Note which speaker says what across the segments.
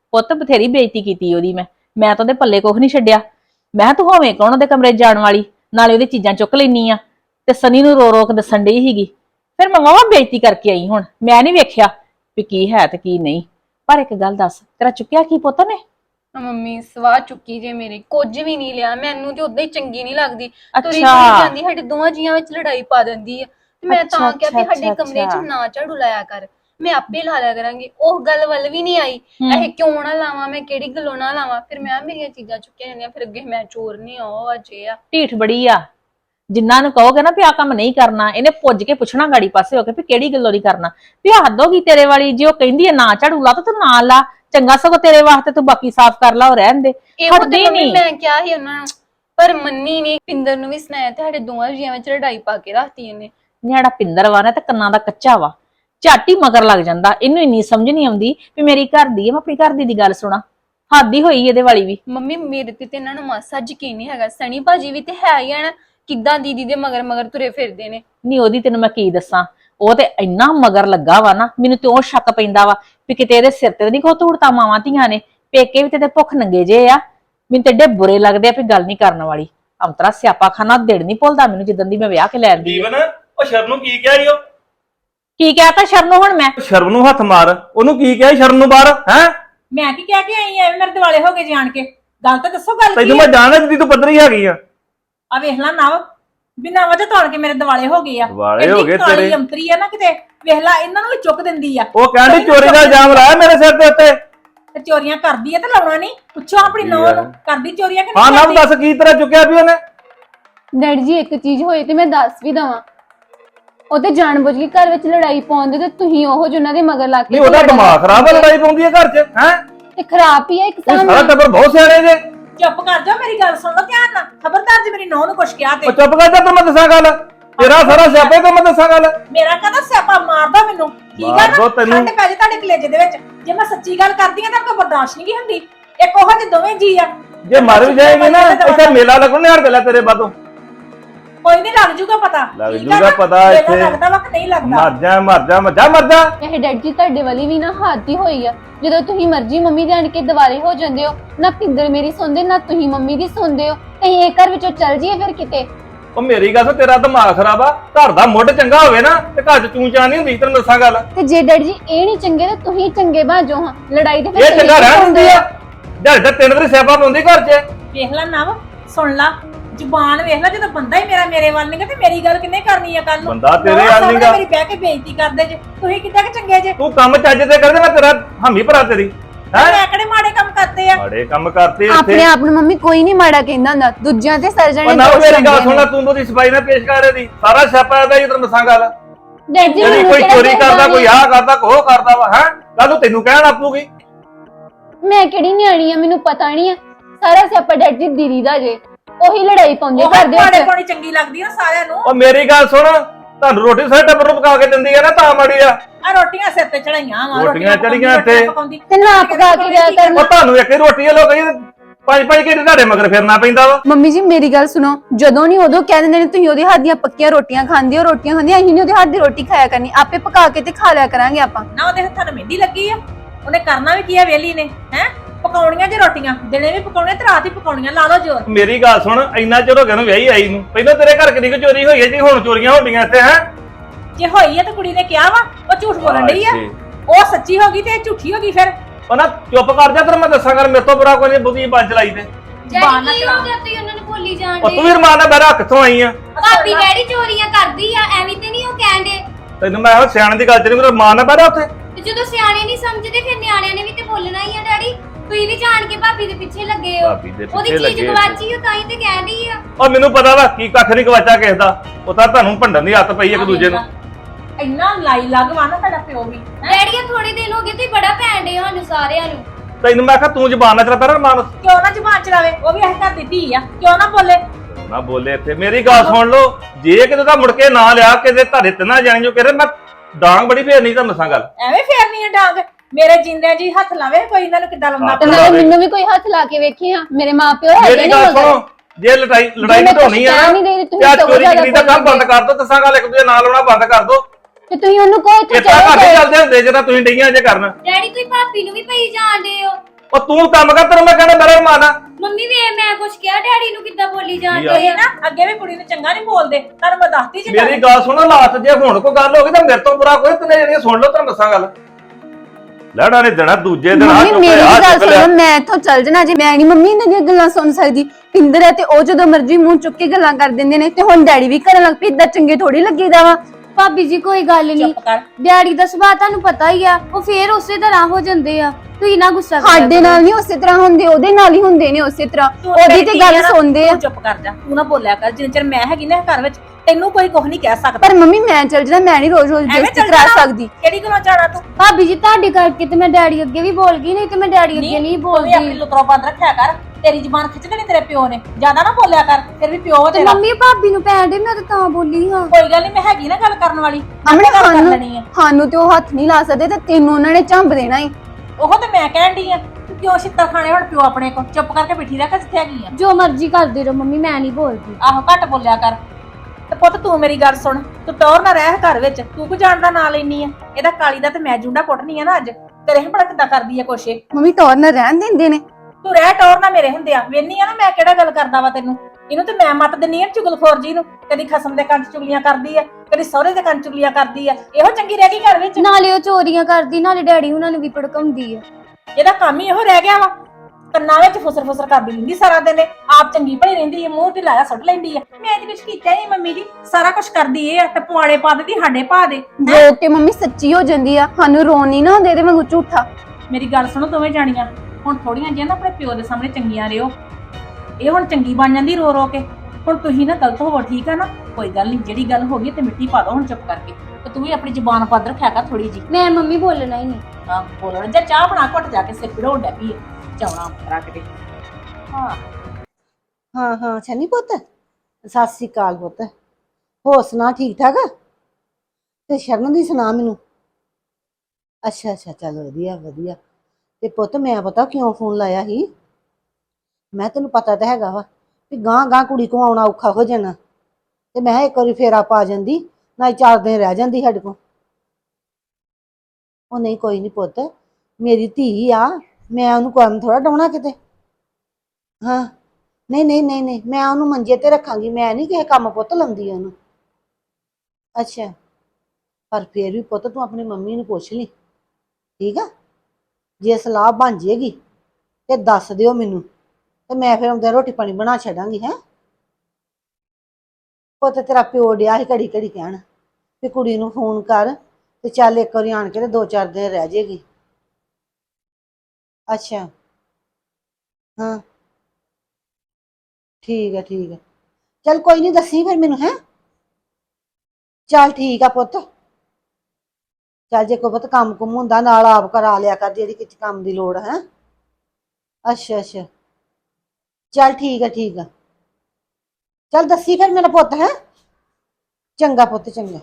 Speaker 1: ਪੁੱਤ ਬਥੇਰੀ ਬੇਇੱਜ਼ਤੀ ਕੀਤੀ ਉਹਦੀ ਮੈਂ ਤਾਂ ਉਹਦੇ ਪੱਲੇ ਕੁਝ ਨਹੀਂ ਛੱਡਿਆ। ਮੈਂ ਕਿਹਾ ਤੂੰ ਹੋਵੇਂ ਕੌਣ ਉਹਦੇ ਕਮਰੇ 'ਚ ਜਾਣ ਵਾਲੀ, ਨਾਲੇ ਉਹਦੀ ਚੀਜ਼ਾਂ ਚੁੱਕ ਲੈਣੀ ਆ। ਤੇ ਸਨੀ ਨੂੰ ਰੋ ਰੋ ਕੇ ਦੱਸਣ ਡਈ ਸੀਗੀ। ਫਿਰ ਮੈਂ ਵਾਹਵਾ ਬੇਇੱਜ਼ਤੀ ਕਰਕੇ ਆਈ। ਹੁਣ ਮੈਂ ਨਹੀਂ ਵੇਖਿਆ ਵੀ ਕੀ ਹੈ ਤੇ ਕੀ ਨਹੀਂ। ਪਰ ਇੱਕ ਗੱਲ ਦੱਸ, ਤੇਰਾ ਚੁੱਕਿਆ ਕੀ ਪੁੱਤ ਨੇ?
Speaker 2: ਮੰਮੀ ਸਵਾਹ ਚੁੱਕੀ ਜੇ ਮੇਰੀ, ਕੁਝ ਵੀ ਨਹੀਂ ਲਿਆ। ਮੈਨੂੰ ਤੇ ਉਦਾਂ ਹੀ ਚੰਗੀ ਨਹੀਂ ਲੱਗਦੀ। ਤੁਰੀ
Speaker 1: ਅੱਛਾ
Speaker 2: ਜਾਂਦੀ ਸਾਡੇ ਦੋਵਾਂ ਜੀਆਂ ਵਿੱਚ ਲੜਾਈ ਪਾ ਦਿੰਦੀ ਆ। ਤੇ ਮੈਂ ਤਾਂ ਕਿਹਾ ਵੀ ਸਾਡੇ ਕਮਰੇ 'ਚ ਨਾ ਝਾੜੂ ਲਾਇਆ ਕਰ, ਮੈਂ ਆਪੇ ਲਾ ਲਿਆ ਕਰਾਂਗੀ। ਉਹ ਗੱਲ ਵੱਲ ਵੀ ਨਹੀਂ ਆਈ, ਇਹ ਕਿਉਂ ਨਾ ਲਾਵਾਂ, ਮੈਂ ਕਿਹੜੀ ਗੱਲੋਂ ਨਾ ਲਾਵਾਂ। ਫਿਰ ਮੈਂ ਮੇਰੀਆਂ ਚੀਜ਼ਾਂ ਚੁੱਕੀਆਂ ਜਾਂਦੀਆਂ, ਫਿਰ ਅੱਗੇ ਮੈਂ ਚੋਰ ਨਹੀਂ ਉਹ ਅਜੇ ਆ।
Speaker 1: ਢੀਠ ਬੜੀ ਆ। ਜਿੰਨਾਂ ਨੂੰ ਕਹੋਗੇ ਨਾ ਵੀ ਆਹ ਕੰਮ ਨਹੀਂ ਕਰਨਾ, ਇਹਨੇ ਪੁੱਜ ਕੇ ਪੁੱਛਣਾ ਗਾੜੀ ਪਾਸੇ ਹੋ ਕੇ ਵੀ ਕਿਹੜੀ ਗੱਲੋਂ ਨਹੀਂ ਕਰਨਾ। ਵੀ ਹੱਦ ਹੋ ਗਈ ਤੇਰੇ ਵਾਲੀ। ਜੇ ਉਹ ਕਹਿੰਦੀ ਹੈ ਨਾ ਝਾੜੂ ਲਾ ਤਾਂ ਤੂੰ ਨਾ ਲਾ, ਚੰਗਾ ਸਗੋਂ ਤੇਰੇ ਵਾਸਤੇ, ਤੂੰ ਬਾਕੀ ਸਾਫ਼ ਕਰ ਲਾ, ਉਹ ਰਹਿਣ ਦੇ।
Speaker 2: ਇਹੋ ਤੇ ਮੰਮੀ ਮੈਂ ਕਿਹਾ ਸੀ ਉਹਨਾਂ ਨੂੰ, ਪਰ ਮੰਨੀ ਨਹੀਂ। ਪਿੰਦਰ ਨੂੰ ਵੀ ਸੁਣਾਇਆ ਤੇ ਸਾਡੇ ਦੋਵਾਂ ਜੀਆਂ ਵਿੱਚ ਲੜਾਈ ਪਾ ਕੇ ਰੱਖਤੀ ਇਹਨੇ।
Speaker 1: ਜਿਹੜਾ ਪਿੰਦਰ ਵਾ ਨਾ ਤੇ ਕੰਨਾਂ ਦਾ ਕੱਚਾ ਵਾ, ਝੱਟ ਹੀ ਮਗਰ ਲੱਗ ਜਾਂਦਾ। ਇਹਨੂੰ ਇੰਨੀ ਸਮਝ ਨਹੀਂ ਆਉਂਦੀ ਵੀ ਮੇਰੀ ਘਰ ਦੀ ਹੈ, ਮੈਂ ਆਪਣੀ ਘਰ ਦੀ ਗੱਲ ਸੁਣਾ। ਹੱਦ ਹੀ ਹੋਈ ਇਹਦੇ ਵਾਲੀ ਵੀ।
Speaker 2: ਮੰਮੀ ਮੇਰੇ ਤੇ ਇਹਨਾਂ ਨੂੰ ਮਾਸਾ ਯਕੀਨ ਨਹੀਂ ਹੈਗਾ। ਸਣੀ ਭਾਜੀ ਵੀ ਤੇ ਹੈ ਹੀ ਆ ਨਾ, ਕਿੱਦਾਂ ਦੀਦੀ ਦੇ ਮਗਰ ਮਗਰ ਤੁਰੇ ਫਿਰਦੇ ਨੇ।
Speaker 1: ਨਹੀਂ ਉਹਦੀ ਤੈਨੂੰ ਮੈਂ ਕੀ ਦੱਸਾਂ, ਉਹ ਤੇ ਇੰਨਾ ਮਗਰ ਲੱਗਾ ਵਾ ਨਾ, ਮੈਨੂੰ ਤੇ ਉਹ ਸ਼ੱਕ ਪੈਂਦਾ ਵਾ ਵੀ ਕਿਤੇ ਇਹਦੇ ਸਿਰ ਤੇ ਨਹੀਂ ਕੋ ਧੂੜਤਾ ਮਾਵਾਂ ਧੀਆਂ ਨੇ। ਪੇਕੇ ਵੀ ਤੇ ਭੁੱਖ ਨੰਗੇ ਜੇ ਆ। ਮੈਨੂੰ ਤੇ ਏਡੇ ਬੁਰੇ ਲੱਗਦੇ ਆ ਵੀ ਗੱਲ ਨਹੀਂ ਕਰਨ ਵਾਲੀ। ਅੰਤਰਾ ਸਿਆਪਾ ਖਾਨਾ ਦਿੜ ਨਹੀਂ ਭੁੱਲਦਾ ਮੈਨੂੰ ਜਿੱਦਣ ਦੀ ਮੈਂ ਵਿਆਹ ਕੇ ਲੈ ਆਂਦੀ।
Speaker 3: ਜੀਵਨ ਉਹ ਸ਼ਰਨ ਨੂੰ ਕੀ ਕਿਹਾ ਈ? ਉਹ
Speaker 1: ਕੀ ਕਹਿਤਾ ਸ਼ਰਨ ਨੂੰ? ਹੁਣ ਮੈਂ
Speaker 3: ਸ਼ਰਨ ਨੂੰ ਹੱਥ ਮਾਰ, ਉਹਨੂੰ ਕੀ ਕਿਹਾ ਸ਼ਰਨ ਨੂੰ ਬਾਹਰ? ਹੈ
Speaker 1: ਮੈਂ ਕੀ ਕਹਿ ਕੇ ਆਈ ਐ? ਮੇਰੇ ਦਿਵਾਲੇ ਹੋ ਗਏ ਜਾਣ ਕੇ। ਗੱਲ ਤਾਂ ਦੱਸੋ, ਗੱਲ ਕੀ
Speaker 3: ਤੈਨੂੰ ਮੈਂ ਜਾਣਦਾ ਜਿੱਦੀ ਤੂੰ ਪੱਧਰੀ ਹੈਗੀ ਆ।
Speaker 1: ਆ ਵੇਖ ਲੈ ਨਾ, ਬਿਨਾਂ ਵਜ੍ਹਾ ਤੋੜ ਕੇ ਮੇਰੇ ਦਿਵਾਲੇ ਹੋ ਗਏ ਆ।
Speaker 3: ਦਿਵਾਲੇ ਹੋ ਗਏ ਤੇਰੇ।
Speaker 1: ਅੰਤਰੀ ਆ ਨਾ ਕਿਤੇ, ਵੇਖ ਲੈ ਇਹਨਾਂ ਨੂੰ ਵੀ ਚੁੱਕ ਦਿੰਦੀ ਆ।
Speaker 3: ਉਹ ਕਹਿੰਦੀ ਚੋਰੀ ਦਾ ਇਲਜ਼ਾਮ ਲਾਇਆ ਮੇਰੇ ਸਿਰ ਦੇ ਉੱਤੇ।
Speaker 1: ਤੇ ਚੋਰੀਆਂ ਕਰਦੀ ਆ ਤੇ ਲਾਉਣਾ ਨਹੀਂ? ਪੁੱਛੋ ਆਪਣੀ ਨੌਂ ਨੂੰ, ਕਰਦੀ ਚੋਰੀਆਂ ਕਿ
Speaker 3: ਹਾਂ
Speaker 1: ਨਹੀਂ
Speaker 3: ਨਾ ਦੱਸ ਕੀ ਤਰ੍ਹਾਂ ਚੁੱਕਿਆ ਵੀ ਉਹਨੇ?
Speaker 2: ਡੈਡੀ ਜੀ ਇੱਕ ਚੀਜ਼ ਹੋਏ ਤੇ ਮੈਂ ਦੱਸ ਵੀ ਦਵਾਂ, ਉਹ ਤੇ ਜਾਣਬੁੱਝ ਕੇ ਘਰ ਵਿੱਚ ਲੜਾਈ ਪਾਉਂਦੇ ਤੇ ਤੁਸੀਂ ਉਹ ਜਿਹਨਾਂ ਦੇ ਮਗਰ ਲੱਗ ਕੇ।
Speaker 3: ਨਹੀਂ ਉਹਦਾ ਦਿਮਾਗ ਖਰਾਬ ਆ, ਲੜਾਈ ਪਾਉਂਦੀ ਹੈ ਘਰ 'ਚ। ਹੈ
Speaker 2: ਤੇ ਖਰਾਬ ਹੀ ਆ ਇੱਕ
Speaker 3: ਸਾਰਾ
Speaker 2: ਸਾਹਮਣੇ।
Speaker 3: ਟੱਬਰ ਬਹੁਤ ਸਿਆਣੇ ਜੇ।
Speaker 1: ਚੁੱਪ ਕਰ ਜਾ, ਮੇਰੀ ਗੱਲ ਸੁਣ ਲਓ ਧਿਆਨ ਨਾਲ। ਖਬਰਦਾਰ ਜੇ ਮੇਰੀ ਨੌਂ ਨੂੰ ਕੁਛ ਕਿਹਾ ਤੇ।
Speaker 3: ਉਹ ਚੁੱਪ ਕਰ ਜਾ, ਤੈਨੂੰ ਮੈਂ ਦੱਸਾਂ ਗੱਲ। ਤੇਰਾ ਸਾਰਾ ਸਿਆਪੇ ਤੋਂ ਮੈਂ ਦੱਸਾਂ ਗੱਲ।
Speaker 1: ਮੇਰਾ ਕਹਿੰਦਾ ਸਿਆਪਾ ਮਾਰਦਾ ਮੈਨੂੰ, ਠੀਕ ਆ
Speaker 3: ਮਾਰ ਦੋ
Speaker 1: ਨਾ?
Speaker 3: ਤੈਨੂੰ।
Speaker 1: ਠੰਡ ਪੈ ਜੇ ਤੁਹਾਡੇ ਕਲੇਜੇ ਦੇ ਵਿੱਚ। ਜੇ ਮੈਂ ਸੱਚੀ ਗੱਲ ਕਰਦੀ ਆ ਤਾਂ ਕੋਈ ਬਰਦਾਸ਼ਤ ਨਹੀਂ ਹੁੰਦੀ। ਇੱਕ ਉਹ ਜਿਹੇ ਦੋਵੇਂ ਜੀ ਆ।
Speaker 3: ਜੇ ਮਰ ਵੀ ਜਾਏਗੀ ਨਾ ਇੱਥੇ ਮੇਲਾ ਲੱਗਣ ਨੇ ਹੜ ਗੱਲਾਂ ਤੇਰੇ ਬਾਤੋਂ।
Speaker 1: ਕੋਈ ਨਹੀਂ, ਲੱਗ ਜੂਗਾ ਪਤਾ।
Speaker 3: ਲੱਗ
Speaker 1: ਠੀਕ ਆ
Speaker 3: ਜੂਗਾ
Speaker 1: ਨਾ?
Speaker 3: ਪਤਾ
Speaker 1: ਮੇਲਾ
Speaker 3: ਇੱਥੇ।
Speaker 1: ਲੱਗਦਾ ਵਾ ਕਿ ਨਹੀਂ ਲੱਗਦਾ?
Speaker 3: ਮਰ ਜਾ।
Speaker 2: ਇਹ ਡੈਡੀ ਜੀ ਤੁਹਾਡੇ ਵਾਲੀ ਵੀ ਨਾ ਹੱਦ ਹੀ ਹੋਈ ਆ। ਜਦੋਂ ਤੁਸੀਂ ਮਰਜ਼ੀ ਮੰਮੀ ਜਾਣ ਕੇ ਦੁਬਾਰੇ ਹੋ ਜਾਂਦੇ ਹੋ, ਨਾ ਪਿੰਦਰ ਮੇਰੀ ਸੁਣਦੇ ਨਾ ਤੁਸੀਂ ਮੰਮੀ ਦੀ ਸੁਣਦੇ ਹੋ। ਕਹੀਂ ਇਹ ਘਰ ਵਿੱਚੋਂ ਚੱਲ ਜੀਏ ਫਿਰ ਕਿਤੇ।
Speaker 3: ਉਹ ਮੇਰੀ ਗੱਲ ਸੁਣ, ਤੇਰਾ ਦਿਮਾਗ ਖਰਾਬ ਆ। ਘਰ ਦਾ ਮੁੱਢ ਚੰਗਾ ਹੋਵੇ ਨਾ ਤੇ ਘਰ 'ਚ ਚੂੰ ਚਾਂ ਨਹੀਂ ਹੁੰਦੀ। ਤੈਨੂੰ ਦੱਸਾਂ ਗੱਲ।
Speaker 2: ਤੇ ਜੇ ਡੈਡੀ ਜੀ ਇਹ ਨਹੀਂ ਚੰਗੇ ਤੇ ਤੁਸੀਂ ਚੰਗੇ ਬਾਜੋ ਹਾਂ। ਲੜਾਈ ਤੇ
Speaker 3: ਇਹ ਚੰਗਾ ਰਹਿਣ ਹੁੰਦੀ ਆ। ਜਦ ਤੱਕ ਤਿੰਨ ਵਾਰੀ ਸਿਆਪਾ ਪਾਉਂਦੀ ਘਰ 'ਚ।
Speaker 1: ਵੇਖ ਲੈ ਨਵ, ਸੁਣ ਲਾ ਜ਼ੁਬਾਨ ਵੇਖ ਲੈ। ਜਦੋਂ ਬੰਦਾ ਹੀ ਮੇਰੇ ਵੱਲ ਨਹੀਂਗਾ ਤੇ ਮੇਰੀ ਗੱਲ ਕਿੰਨੇ ਕਰਨੀ ਆ ਕੱਲ ਨੂੰ?
Speaker 3: ਬੰਦਾ ਤੇਰੇ ਵੱਲ ਨਹੀਂਗਾ।
Speaker 1: ਮੇਰੀ ਬਹਿ ਕੇ ਬੇਇੱਜ਼ਤੀ ਕਰਦੇ ਜੇ ਤੁਸੀਂ। ਕਿੱਦਾਂ ਕਿ ਚੰਗੇ ਜੇ?
Speaker 3: ਤੂੰ ਕੰਮ ਚੱਜ ਤੇ ਕਰਦੇ, ਮੈਂ ਤੇਰਾ ਹਾਮੀ ਭਰਾ ਤੇਰੀ।
Speaker 1: ਮੈਂ ਕਿਹੜੇ ਮਾੜੇ ਕੰਮ ਕਰਦੇ ਆ?
Speaker 3: ਮਾੜੇ ਕੰਮ ਕਰਤੇ
Speaker 2: ਆਪਣੇ
Speaker 3: ਇੱਥੇ।
Speaker 2: ਆਪ ਨੂੰ ਮੰਮੀ ਕੋਈ ਨਹੀਂ ਮਾੜਾ ਕਹਿੰਦਾ ਹੁੰਦਾ, ਦੂਜਿਆਂ ਤੇ ਸਰਜਣੇ
Speaker 3: ਨਾ ਮੇਰੀ ਗੱਲ ਸੁਣ ਲੈ, ਤੂੰ ਉਹਦੀ ਸਫਾਈ ਨਾਲ ਪੇਸ਼ ਕਰ ਇਹਦੀ। ਸਾਰਾ ਸਿਆਪਾ ਇਹਦਾ ਹੀ। ਤੈਨੂੰ ਦੱਸਾਂ ਗੱਲ।
Speaker 2: ਡੈਡੀ ਜੀ
Speaker 3: ਜਿਹੜੀ ਕੋਈ ਚੋਰੀ ਕਰਦਾ, ਕੋਈ ਆਹ ਕਰਦਾ, ਕੋਈ ਉਹ ਕਰਦਾ ਵਾ। ਹੈ ਕੱਲ ਨੂੰ ਤੈਨੂੰ ਕਹਿਣ ਆਪੂਗੀ।
Speaker 2: ਮੈਂ ਕਿਹੜੀ ਨਿਆਣੀ ਆ, ਮੈਨੂੰ ਪਤਾ ਨਹੀਂ ਆ। ਸਾਰਾ ਸਿਆਪਾ ਡੈਡੀ ਜੀ ਦੀਦੀ ਦਾ ਜੇ। ਉਹੀ ਲੜਾਈ ਪਾਉਂਦੇ ਘਰ ਦੇ
Speaker 1: ਮਾੜੇ
Speaker 2: ਵਿੱਚ।
Speaker 1: ਪਾਣੀ ਚੰਗੀ ਲੱਗਦੀ ਆ ਸਾਰਿਆਂ ਨੂੰ।
Speaker 3: ਉਹ ਮੇਰੀ ਗੱਲ ਸੁਣ, ਤੁਹਾਨੂੰ ਰੋਟੀ ਸਾਰੇ ਟੱਬਰ ਨੂੰ ਪਕਾ ਕੇ ਦਿੰਦੀ ਆ ਨਾ, ਤਾਂ ਮਾੜੀ ਆ।
Speaker 1: ਆ ਰੋਟੀਆਂ ਸਿਰ ਤੇ ਚੜਾਈਆਂ ਵਾ।
Speaker 3: ਰੋਟੀਆਂ ਚੜੀਆਂ ਇੱਥੇ।
Speaker 2: ਤੇ ਨਾ ਪਕਾ ਕੇ ਦਿਆ ਕਰਨਾ।
Speaker 3: ਉਹ ਤੁਹਾਨੂੰ ਇੱਕ ਹੀ ਰੋਟੀ ਆ, ਲੋਕ ਪੰਜ ਘੰਟੇ ਤੁਹਾਡੇ ਮਗਰ ਫਿਰਨਾ ਪੈਂਦਾ ਵਾ।
Speaker 2: ਮੰਮੀ ਜੀ ਮੇਰੀ ਗੱਲ ਸੁਣੋ, ਜਦੋਂ ਨਹੀਂ ਉਦੋਂ ਕਹਿ ਦਿੰਦੇ ਨੇ ਤੁਸੀਂ ਉਹਦੇ ਹੱਥ ਦੀਆਂ ਪੱਕੀਆਂ ਰੋਟੀਆਂ ਖਾਂਦੇ ਹੋ, ਰੋਟੀਆਂ ਖਾਂਦੀਆਂ। ਅਸੀਂ ਨਹੀਂ ਉਹਦੇ ਹੱਥ ਦੀ ਰੋਟੀ ਖਾਇਆ ਕਰਨੀ, ਆਪੇ ਪਕਾ ਕੇ ਤੇ ਖਾ ਲਿਆ ਕਰਾਂਗੇ ਆਪਾਂ।
Speaker 1: ਨਾ ਉਹਦੇ ਹੱਥਾਂ ਨੂੰ ਮਹਿੰਦੀ ਲੱਗੀ ਆ। ਉਹਨੇ ਕਰਨਾ ਵੀ ਕੀ ਆ ਵੇਲੀ ਨੇ? ਹੈ ਪਕਾਉਣੀਆਂ ਜੇ ਰੋਟੀਆਂ, ਦਿਨੇ ਵੀ ਪਕਾਉਣੀਆਂ ਤੇ ਰਾਤ ਹੀ ਪਕਾਉਣੀਆਂ। ਲਾ ਲਓ ਜ਼ੋਰ।
Speaker 3: ਮੇਰੀ ਗੱਲ ਸੁਣ, ਇੰਨਾ ਚਿਰ ਹੋ ਗਿਆ ਨੂੰ ਵਿਆਹੀ ਆਈ ਨੂੰ। ਪਹਿਲਾਂ ਤੇਰੇ ਘਰ ਕਿੰਨੀ ਕੁ ਚੋਰੀ ਹੋਈ ਹੈ ਜੀ? ਹੁਣ ਚੋਰੀਆਂ ਹੁੰਦੀਆਂ ਇੱਥੇ। ਹੈ
Speaker 1: ਜੇ ਹੋਈ ਆ ਤਾਂ ਕੁੜੀ ਨੇ ਕਿਹਾ ਵਾ, ਉਹ ਝੂਠ ਬੋਲਣ ਡਈ ਆ। ਉਹ ਸੱਚੀ ਹੋ ਗਈ ਤੇ ਇਹ ਝੂਠੀ ਹੋ ਗਈ। ਫਿਰ
Speaker 3: ਉਹ ਨਾ ਚੁੱਪ ਕਰ ਜਾ, ਤੈਨੂੰ ਮੈਂ ਦੱਸਾਂ ਗੱਲ। ਮੇਰੇ ਤੋਂ ਬੁਰਾ ਕੋਈ ਨਹੀਂ, ਬੁੱਧੀ ਪੰਜ ਚਲਾਈ ਤੇ।
Speaker 1: ਜ਼ਬਾਨ ਨਾ ਚਲਾ।
Speaker 4: ਤੁਸੀਂ ਉਹਨਾਂ ਨੂੰ ਭੁੱਲੀ ਜਾਣ
Speaker 3: ਉਹ ਤੂੰ ਵੀ ਰਮਾਨ ਨਾਲ ਬਹਿਰਾ ਕਿੱਥੋਂ ਆਈ ਆ?
Speaker 4: ਭਾਬੀ ਡੈਡੀ ਚੋਰੀਆਂ ਕਰਦੀ ਆ, ਐਵੇਂ ਤੇ ਨਹੀਂ ਉਹ ਕਹਿੰਦੇ।
Speaker 3: ਤੈਨੂੰ ਮੈਂ ਉਹ ਸਿਆਣੇ ਦੀ ਗੱਲ ਚ ਨਹੀਂ, ਮੇਰੇ ਰਮਾਨ ਨਾਲ ਬਹਿਰਾ ਉੱਥੇ।
Speaker 4: ਤੇ ਜਦੋਂ ਸਿਆਣੇ ਨਹੀਂ ਸਮਝਦੇ ਫਿਰ ਨਿਆਣਿਆਂ ਨੇ ਵੀ ਤੇ ਬੋਲਣਾ ਹੀ ਆ ਡੈਡੀ। ਤੁਸੀਂ ਵੀ ਜਾਣ ਕੇ ਭਾਬੀ ਦੇ ਪਿੱਛੇ ਲੱਗੇ ਹੋ।
Speaker 3: ਭਾਬੀ ਦੇ
Speaker 4: ਉਹਦੀ
Speaker 3: ਪਿੱਛੇ
Speaker 4: ਚੀਜ਼
Speaker 3: ਲੱਗੇ।
Speaker 4: ਗਵਾਚੀ ਹੋ ਤਾਂ ਹੀ ਤੇ ਕਹਿੰਦੀ ਆ।
Speaker 3: ਉਹ ਮੈਨੂੰ ਪਤਾ ਵਾ ਕੀ ਕੱਖ ਨਹੀਂ ਗਵਾਚਾ ਕਿਸੇ ਦਾ। ਉਹ ਤਾਂ ਤੁਹਾਨੂੰ ਭੰਡਣ ਦੀ ਹੱਥ ਪਈ ਇੱਕ ਦੂਜੇ ਨੂੰ।
Speaker 1: ਇੰਨਾ ਲਾਈ ਲੱਗਵਾ ਨਾ ਤੁਹਾਡਾ ਪਿਓ ਵੀ।
Speaker 4: ਡੈਡੀ ਇਹ ਥੋੜੇ ਦਿਨ ਹੋ ਗਏ ਤੁਸੀਂ ਬੜਾ ਭੈਣ ਡੇ ਸਾਨੂੰ ਸਾਰਿਆਂ ਨੂੰ।
Speaker 3: ਤੈਨੂੰ ਮੈਂ ਕਿਹਾ ਤੂੰ ਜ਼ਬਾਨ ਨਾ ਚਲਾ ਪੈਰਾ ਰਮਾਨ।
Speaker 1: ਕਿਉਂ ਨਾ ਜ਼ਬਾਨ ਚਲਾਵੇ? ਉਹ ਵੀ ਇਹ ਘਰ ਦੀ ਧੀ ਆ, ਕਿਉਂ ਨਾ ਬੋਲੇ?
Speaker 3: ਨਾ ਬੋਲੇ ਇੱਥੇ। ਮੇਰੀ ਗੱਲ ਸੁਣ ਲਓ, ਜੇ ਕਿਤੇ ਦਾ ਮੁੜ ਕੇ ਨਾ ਲਿਆ ਕਿਤੇ ਤੁਹਾਡੇ ਤੇ ਨਾ ਜਾਣੀ ਜੋ ਕਹਿੰਦੇ ਮੈਂ ਡਾਂਗ ਬੜੀ ਫੇਰ ਨਹੀਂ ਤੁਹਾਨੂੰ ਦੱਸਾਂ ਗੱਲ।
Speaker 1: ਐਵੇਂ ਫੇਰਨੀ ਆ ਡਾਂਗ? ਮੇਰੇ ਜਿੰਦਿਆਂ ਜੀ ਹੱਥ ਲਾਵੇ ਕੋਈ, ਇਹਨਾਂ ਨੂੰ ਕਿੱਦਾਂ ਲਾਉਂਦਾ?
Speaker 2: ਤੇ ਨਾਲੇ ਮੈਨੂੰ ਵੀ ਕੋਈ ਹੱਥ ਲਾ ਕੇ ਵੇਖੇ ਆ। ਮੇਰੇ ਮਾਪਿਓ ਹੈਗੇ
Speaker 3: ਮੇਰੀ
Speaker 2: ਨੇ
Speaker 3: ਗੱਲ
Speaker 2: ਮਗਰ।
Speaker 3: ਸੁਣੋ, ਜੇ ਲੜਾਈ ਘਟਾਉਣੀ ਆ ਨਾ, ਤੇ ਚੋਰੀ ਚੋਰੀ ਦਾ ਕੰਮ ਬੰਦ ਕਰ ਦੋ। ਦੱਸਾਂ ਗੱਲ, ਇੱਕ ਦੂਜੇ ਨਾਲ ਲਾਉਣਾ ਬੰਦ ਕਰ ਦੋ।
Speaker 2: ਤੇ ਤੁਸੀਂ ਉਹਨੂੰ ਕੋਈ ਇੱਥੇ
Speaker 3: ਇਤਨਾ ਘੱਟ ਚੱਲਦੇ ਹੁੰਦੇ ਜਿਹੜਾ ਤੁਸੀਂ ਡਈਆਂ ਜੇ ਕਰਨ।
Speaker 4: ਡੈਡੀ ਤੁਸੀਂ ਭਾਬੀ ਨੂੰ ਵੀ ਪਈ ਜਾਣ ਡੇ ਹੋ।
Speaker 3: ਉਹ ਤੂੰ ਕੰਮ ਕਰ, ਤੈਨੂੰ ਮੈਂ ਕਹਿੰਦਾ ਮੇਰੇ ਮਾਨਾ।
Speaker 4: ਮੰਮੀ ਵੇ ਮੈਂ ਕੁਛ ਕਿਹਾ ਡੈਡੀ ਨੂੰ ਕਿੱਦਾਂ ਬੋਲੀ ਜਾਣ
Speaker 3: ਯਾਰ।
Speaker 4: ਡਏ ਆ।
Speaker 1: ਨਾ ਅੱਗੇ ਵੀ ਕੁੜੀ ਨੂੰ ਚੰਗਾ ਨਹੀਂ ਬੋਲਦੇ, ਤੁਹਾਨੂੰ ਮੈਂ ਦੱਸਦੀ ਜੀ
Speaker 3: ਮੇਰੀ ਗੱਲ ਸੁਣੋ, ਲਾਤ ਜੇ ਹੁਣ ਕੋਈ ਗੱਲ ਹੋ ਗਈ ਤਾਂ ਮੇਰੇ ਤੋਂ ਬੁਰਾ ਕੋਈ ਤਨੇ ਜਿਹੜੀਆਂ ਸੁਣ ਲਓ, ਤੈਨੂੰ ਦੱਸਾਂ ਗੱਲ। ਲੜਾ ਨੇ ਦੇਣਾ ਦੂਜੇ ਦਿਨ
Speaker 2: ਮੰਮੀ ਮੇਰੀ
Speaker 3: ਆਹ
Speaker 2: ਵੀ ਗੱਲ
Speaker 3: ਚੁੱਕ ਲਿਆ।
Speaker 2: ਸੁਣੋ, ਮੈਂ ਇੱਥੋਂ ਚੱਲ ਜਾਣਾ ਜੇ। ਮੈਂ ਨਹੀਂ ਮੰਮੀ ਇਹਨਾਂ ਦੀਆਂ ਗੱਲਾਂ ਸੁਣ ਸਕਦੀ। ਪਿੰਦਰ ਹੈ ਤੇ ਉਹ ਜਦੋਂ ਮਰਜ਼ੀ ਮੂੰਹ ਚੁੱਕ ਕੇ ਗੱਲਾਂ ਕਰ ਦਿੰਦੇ ਨੇ, ਤੇ ਹੁਣ ਡੈਡੀ ਵੀ ਕਰਨ ਲੱਗ ਪਈ। ਇਦਾਂ ਚੰਗੇ ਥੋੜੀ ਲੱਗੀਦਾ ਵਾ।
Speaker 4: ਭਾਬੀ ਜੀ ਕੋਈ ਗੱਲ ਨਹੀਂ,
Speaker 1: ਚੁੱਪ ਕਰ।
Speaker 4: ਡੈਡੀ ਦਾ ਸੁਭਾਅ ਤੁਹਾਨੂੰ ਪਤਾ ਹੀ ਆ, ਉਹ ਫੇਰ ਉਸੇ ਤਰ੍ਹਾਂ ਹੋ ਜਾਂਦੇ ਆ। ਤੁਸੀਂ ਨਾ ਗੁੱਸਾ ਕਰਿਆ
Speaker 2: ਸਾਡੇ ਨਾਲ ਨਹੀਂ ਉਸੇ ਤਰ੍ਹਾਂ ਹੁੰਦੇ, ਉਹਦੇ ਨਾਲ ਹੀ ਹੁੰਦੇ ਨੇ ਉਸੇ ਤਰ੍ਹਾਂ। ਉਹਦੀ ਤੇ ਗੱਲ ਸੁਣਦੇ ਆ।
Speaker 1: ਤੂੰ ਚੁੱਪ ਕਰ ਜਾ, ਤੂੰ ਨਾ ਬੋਲਿਆ ਕਰ। ਜਿੰਨੇ ਚਿਰ ਮੈਂ ਹੈਗੀ ਨਾ ਘਰ ਵਿੱਚ, ਤੈਨੂੰ ਕੋਈ ਕੁਝ ਨਹੀਂ ਕਹਿ ਸਕਦਾ।
Speaker 2: ਪਰ ਮੰਮੀ ਮੈਂ ਚੱਲ ਜਾਣਾ, ਮੈਂ ਨਹੀਂ ਰੋਜ਼ ਰੋਜ਼ ਬੇਇੱਜ਼ਤੀ ਕਰਾ ਸਕਦੀ।
Speaker 1: ਕਿਹੜੀ ਗੱਲੋਂ ਜਾਣਾ ਤੂੰ?
Speaker 4: ਭਾਬੀ ਜੀ ਤੁਹਾਡੇ ਕਰਕੇ ਤੇ ਮੈਂ ਡੈਡੀ ਅੱਗੇ ਵੀ ਬੋਲ ਗਈ, ਨਹੀਂ ਤੇ ਮੈਂ ਡੈਡੀ ਅੱਗੇ ਨਹੀਂ
Speaker 1: ਤੂੰ ਵੀ ਆਪਣੀ
Speaker 4: ਬੋਲਦੀ।
Speaker 1: ਲੁਤਰੋ ਬੰਦ ਰੱਖਿਆ ਕਰ। ਤੇਰੀ ਜ਼ੁਬਾਨ ਖਿੱਚ ਦੇਣੀ ਤੇਰੇ ਪਿਓ ਨੇ, ਜ਼ਿਆਦਾ ਨਾ ਬੋਲਿਆ ਕਰ। ਫਿਰ ਵੀ ਪਿਓ
Speaker 4: ਤੇ
Speaker 1: ਤੇਰਾ।
Speaker 4: ਮੰਮੀ ਭਾਬੀ ਨੂੰ ਪੈਣ ਦੇ, ਮੈਂ ਤਾਂ ਬੋਲੀ ਹਾਂ।
Speaker 1: ਕੋਈ ਗੱਲ ਨਹੀਂ, ਮੈਂ ਹੈਗੀ ਨਾ ਗੱਲ ਕਰਨ ਵਾਲੀ,
Speaker 2: ਆਪਣੇ
Speaker 1: ਗੱਲ ਕਰ ਲੈਣੀ ਆ।
Speaker 2: ਸਾਨੂੰ ਤੇ ਉਹ ਹੱਥ ਨਹੀਂ ਲਾ ਸਕਦੇ, ਤੇ ਤੈਨੂੰ ਉਹਨਾਂ ਨੇ ਝੰਬ ਦੇਣਾ ਹੀ।
Speaker 1: ਉਹ ਤੇ ਮੈਂ ਕਹਿਣ ਡਈ ਆ, ਤੂੰ ਕਿਉਂ ਛਿੱਤਰ ਖਾਣੇ ਹੁਣ ਪਿਓ ਆਪਣੇ ਕੋ? ਚੁੱਪ ਕਰਕੇ ਬੈਠੀ ਰਹਿ, ਕਿੱਥੇ ਹੈਗੀ ਆ?
Speaker 4: ਜੋ ਮਰਜ਼ੀ ਕਰਦੇ ਰਹੋ ਮੰਮੀ, ਮੈਂ ਨਹੀਂ ਬੋਲਦੀ।
Speaker 1: ਆਹੋ ਘੱਟ ਬੋਲਿਆ ਕਰ। ਤੇ ਪੁੱਤ ਤੂੰ ਮੇਰੀ ਗੱਲ ਸੁਣ, ਤੂੰ ਟੌਰ ਨਾ ਰਹਿ ਘਰ ਵਿੱਚ। ਤੂੰ ਕੋ ਜਾਣ ਦਾ ਨਾਂ ਲੈਣੀ ਆ? ਇਹਦਾ ਕਾਲੀ ਦਾ ਤੇ ਮੈਂ ਜੁੰਡਾ ਪੁੱਟਣੀ ਆ ਨਾ ਅੱਜ। ਤੇਰੇ ਹੀ ਬੜਾ ਕਿੱਦਾਂ ਕਰਦੀ ਆ ਕੁਛ ਇਹ।
Speaker 2: ਮੰਮੀ ਟੌਰ ਨਾ ਰਹਿਣ ਦਿੰਦੇ ਨੇ।
Speaker 1: ਤੂੰ ਰਹਿ ਟੌਰ ਨਾ ਮੇਰੇ ਹੁੰਦੇ ਆ। ਵੇਨੀ ਆ ਨਾ ਮੈਂ ਕਿਹੜਾ ਗੱਲ ਕਰਦਾ ਵਾ ਤੈਨੂੰ। ਇਹਨੂੰ ਤੇ ਮੈਂ ਮੱਤ ਦਿੰਨੀ ਆ ਚੁਗਲਖੋਰ ਜੀ ਨੂੰ। ਕਦੀ ਖਸਮ ਦੇ ਕੰਨ 'ਚ ਚੁਗਲੀਆਂ ਕਰਦੀ ਆ, ਕਦੀ ਸਹੁਰੇ ਦੇ ਕੰਨ 'ਚ ਚੁਗਲੀਆਂ ਕਰਦੀ ਆ। ਇਹੋ ਚੰਗੀ ਰਹਿ ਗਈ ਘਰ ਵਿੱਚ।
Speaker 4: ਨਾਲੇ ਉਹ ਚੋਰੀਆਂ ਕਰਦੀ, ਨਾਲੇ ਡੈਡੀ ਉਹਨਾਂ ਨੂੰ ਵੀ ਭੜਕਾਉਂਦੀ ਆ।
Speaker 1: ਇਹਦਾ ਕੰਮ ਹੀ ਇਹੋ ਰਹਿ ਗਿਆ ਵਾ। ਕੰਨਾਂ ਵਿੱਚ ਫੁਸਰ ਫੁਸਰ ਕਰਦੀ ਰਹਿੰਦੀ ਸਾਰਾ ਦਿਨ। ਆਪ ਚੰਗੀ ਭਲੀ ਰਹਿੰਦੀ ਹੈ, ਮੂੰਹ ਢਿਲਾਇਆ ਸੁੱਟ ਲੈਂਦੀ ਆ। ਮੈਂ ਇਹਦੇ ਵਿੱਚ ਕੀਤਾ ਹੀ ਮੰਮੀ ਜੀ, ਸਾਰਾ ਕੁਝ ਕਰਦੀ ਇਹ ਆ ਤੇ ਪੁਆੜੇ ਪਾ ਦਿੰਦੀ ਸਾਡੇ ਭਾ ਦੇ।
Speaker 2: ਜੋ ਕਿ ਮੰਮੀ ਸੱਚੀ ਹੋ ਜਾਂਦੀ ਆ, ਸਾਨੂੰ ਰੋਣ ਨਹੀਂ ਨਾ ਹੁੰਦੇ ਇਹਦੇ ਵਾਂਗੂ ਝੂਠਾ।
Speaker 1: ਮੇਰੀ ਗੱਲ ਸੁਣੋ ਦੋਵੇਂ ਜਾਣੀਆਂ, ਹੁਣ ਥੋੜੀਆਂ ਜਿਹੀਆਂ ਨਾ ਆਪਣੇ ਪਿਓ ਦੇ ਸਾਹਮਣੇ ਚੰਗੀਆਂ ਰਿਓ। ਇਹ ਹੁਣ ਚੰਗੀ ਬਣ ਜਾਂਦੀ ਰੋ ਰੋ ਕੇ। ਹੁਣ ਤੁਸੀਂ ਨਾ ਗਲਤ ਹੋਵੋ, ਠੀਕ ਆ ਨਾ? ਕੋਈ ਗੱਲ ਨਹੀਂ, ਜਿਹੜੀ ਗੱਲ ਹੋ ਗਈ ਤੇ ਮਿੱਟੀ ਪਾ ਦੋ ਹੁਣ ਚੁੱਪ ਕਰਕੇ। ਤੇ ਤੂੰ ਵੀ ਆਪਣੀ ਜ਼ੁਬਾਨ ਪੱਧ ਰੱਖਿਆ ਕਰ ਥੋੜੀ ਜੀ।
Speaker 4: ਮੈਂ ਮੰਮੀ ਬੋਲਣਾ ਹੀ ਨਹੀਂ।
Speaker 1: ਹਾਂ ਬੋਲਣ ਜਾਂ ਚਾਹ ਬਣਾ ਘੁੱਟ ਜਾ ਕੇ ਸਿਰ ਪਿੜਾਉਣ ਡੈ ਪਈ ਚਾਉਣਾ ਰੱਖ ਕੇ। ਹਾਂ
Speaker 5: ਹਾਂ ਹਾਂ ਛੰਨੀ ਪੁੱਤ, ਸਤਿ ਸ੍ਰੀ ਅਕਾਲ ਪੁੱਤ। ਹੋਰ ਸੁਣਾ, ਠੀਕ ਠਾਕ? ਤੇ ਸ਼ਰਨ ਦੀ ਸੁਣਾ ਮੈਨੂੰ। ਅੱਛਾ ਅੱਛਾ, ਚੱਲ ਵਧੀਆ ਵਧੀਆ। ਤੇ ਪੁੱਤ ਮੈਂ ਪਤਾ ਕਿਉਂ ਫੋਨ ਲਾਇਆ ਸੀ? ਮੈਂ ਤੈਨੂੰ ਪਤਾ ਤਾਂ ਹੈਗਾ ਵਾ ਵੀ ਗਾਂ ਗਾਂ ਕੁੜੀ ਕੋ ਆਉਣਾ ਔਖਾ ਹੋ ਜਾਣਾ, ਤੇ ਮੈਂ ਇੱਕ ਵਾਰੀ ਫੇਰਾ ਪਾ ਜਾਂਦੀ ਨਾ, 4 ਦਿਨ ਰਹਿ ਜਾਂਦੀ ਸਾਡੇ ਕੋਲ। ਉਹ ਨਹੀਂ ਕੋਈ ਨਹੀਂ ਪੁੱਤ, ਮੇਰੀ ਧੀ ਆ, ਮੈਂ ਉਹਨੂੰ ਕਰਨ ਥੋੜਾ ਡਾਉਣਾ ਕਿਤੇ। ਹਾਂ ਨਹੀਂ ਨਹੀਂ ਨਹੀਂ ਨਹੀਂ, ਮੈਂ ਉਹਨੂੰ ਮੰਜੇ ਤੇ ਰੱਖਾਂਗੀ, ਮੈਂ ਨਹੀਂ ਕਿਸੇ ਕੰਮ ਪੁੱਤ ਲਾਉਂਦੀ ਉਹਨੂੰ। ਅੱਛਾ, ਪਰ ਫੇਰ ਵੀ ਪੁੱਤ ਤੂੰ ਆਪਣੀ ਮੰਮੀ ਨੂੰ ਪੁੱਛ ਲਈ, ਠੀਕ ਆ? ਜੇ ਸਲਾਹ ਬਣ ਜੇਗੀ ਤੇ ਦੱਸ ਦਿਓ ਮੈਨੂੰ, ਤੇ ਮੈਂ ਫਿਰ ਉਹਦੇ ਰੋਟੀ ਪਾਣੀ ਬਣਾ ਛੱਡਾਂਗੀ। ਹੈ ਪੁੱਤ, ਤੇਰਾ ਪਿਓ ਡਿਆ ਸੀ ਘੜੀ ਘੜੀ ਕਹਿਣ ਵੀ ਕੁੜੀ ਨੂੰ ਫੋਨ ਕਰ ਤੇ ਚੱਲ ਇੱਕ ਵਾਰੀ ਆਣ ਕੇ ਤੇ 2-4 ਦਿਨ ਰਹਿ ਜੇਗੀ। ਅੱਛਾ ਹਾਂ ਠੀਕ ਹੈ ਠੀਕ ਹੈ, ਚੱਲ ਕੋਈ ਨਹੀਂ, ਦੱਸੀ ਫਿਰ ਮੈਨੂੰ। ਹੈ ਚੱਲ ਠੀਕ ਆ ਪੁੱਤ। ਚੱਲ ਜੇ ਕੋਈ ਪੁੱਤ ਕੰਮ ਕੁਮ ਹੁੰਦਾ ਨਾਲ ਆਪ ਕਰਾ ਲਿਆ ਕਰ, ਜਿਹੜੀ ਕਿਤੇ ਕੰਮ ਦੀ ਲੋੜ ਹੈ। ਅੱਛਾ ਅੱਛਾ, ਚੱਲ ਠੀਕ ਆ ਠੀਕ ਆ, ਚੱਲ ਦੱਸੀ ਫਿਰ ਮੇਰਾ ਪੁੱਤ। ਹੈ ਚੰਗਾ ਪੁੱਤ ਚੰਗਾ।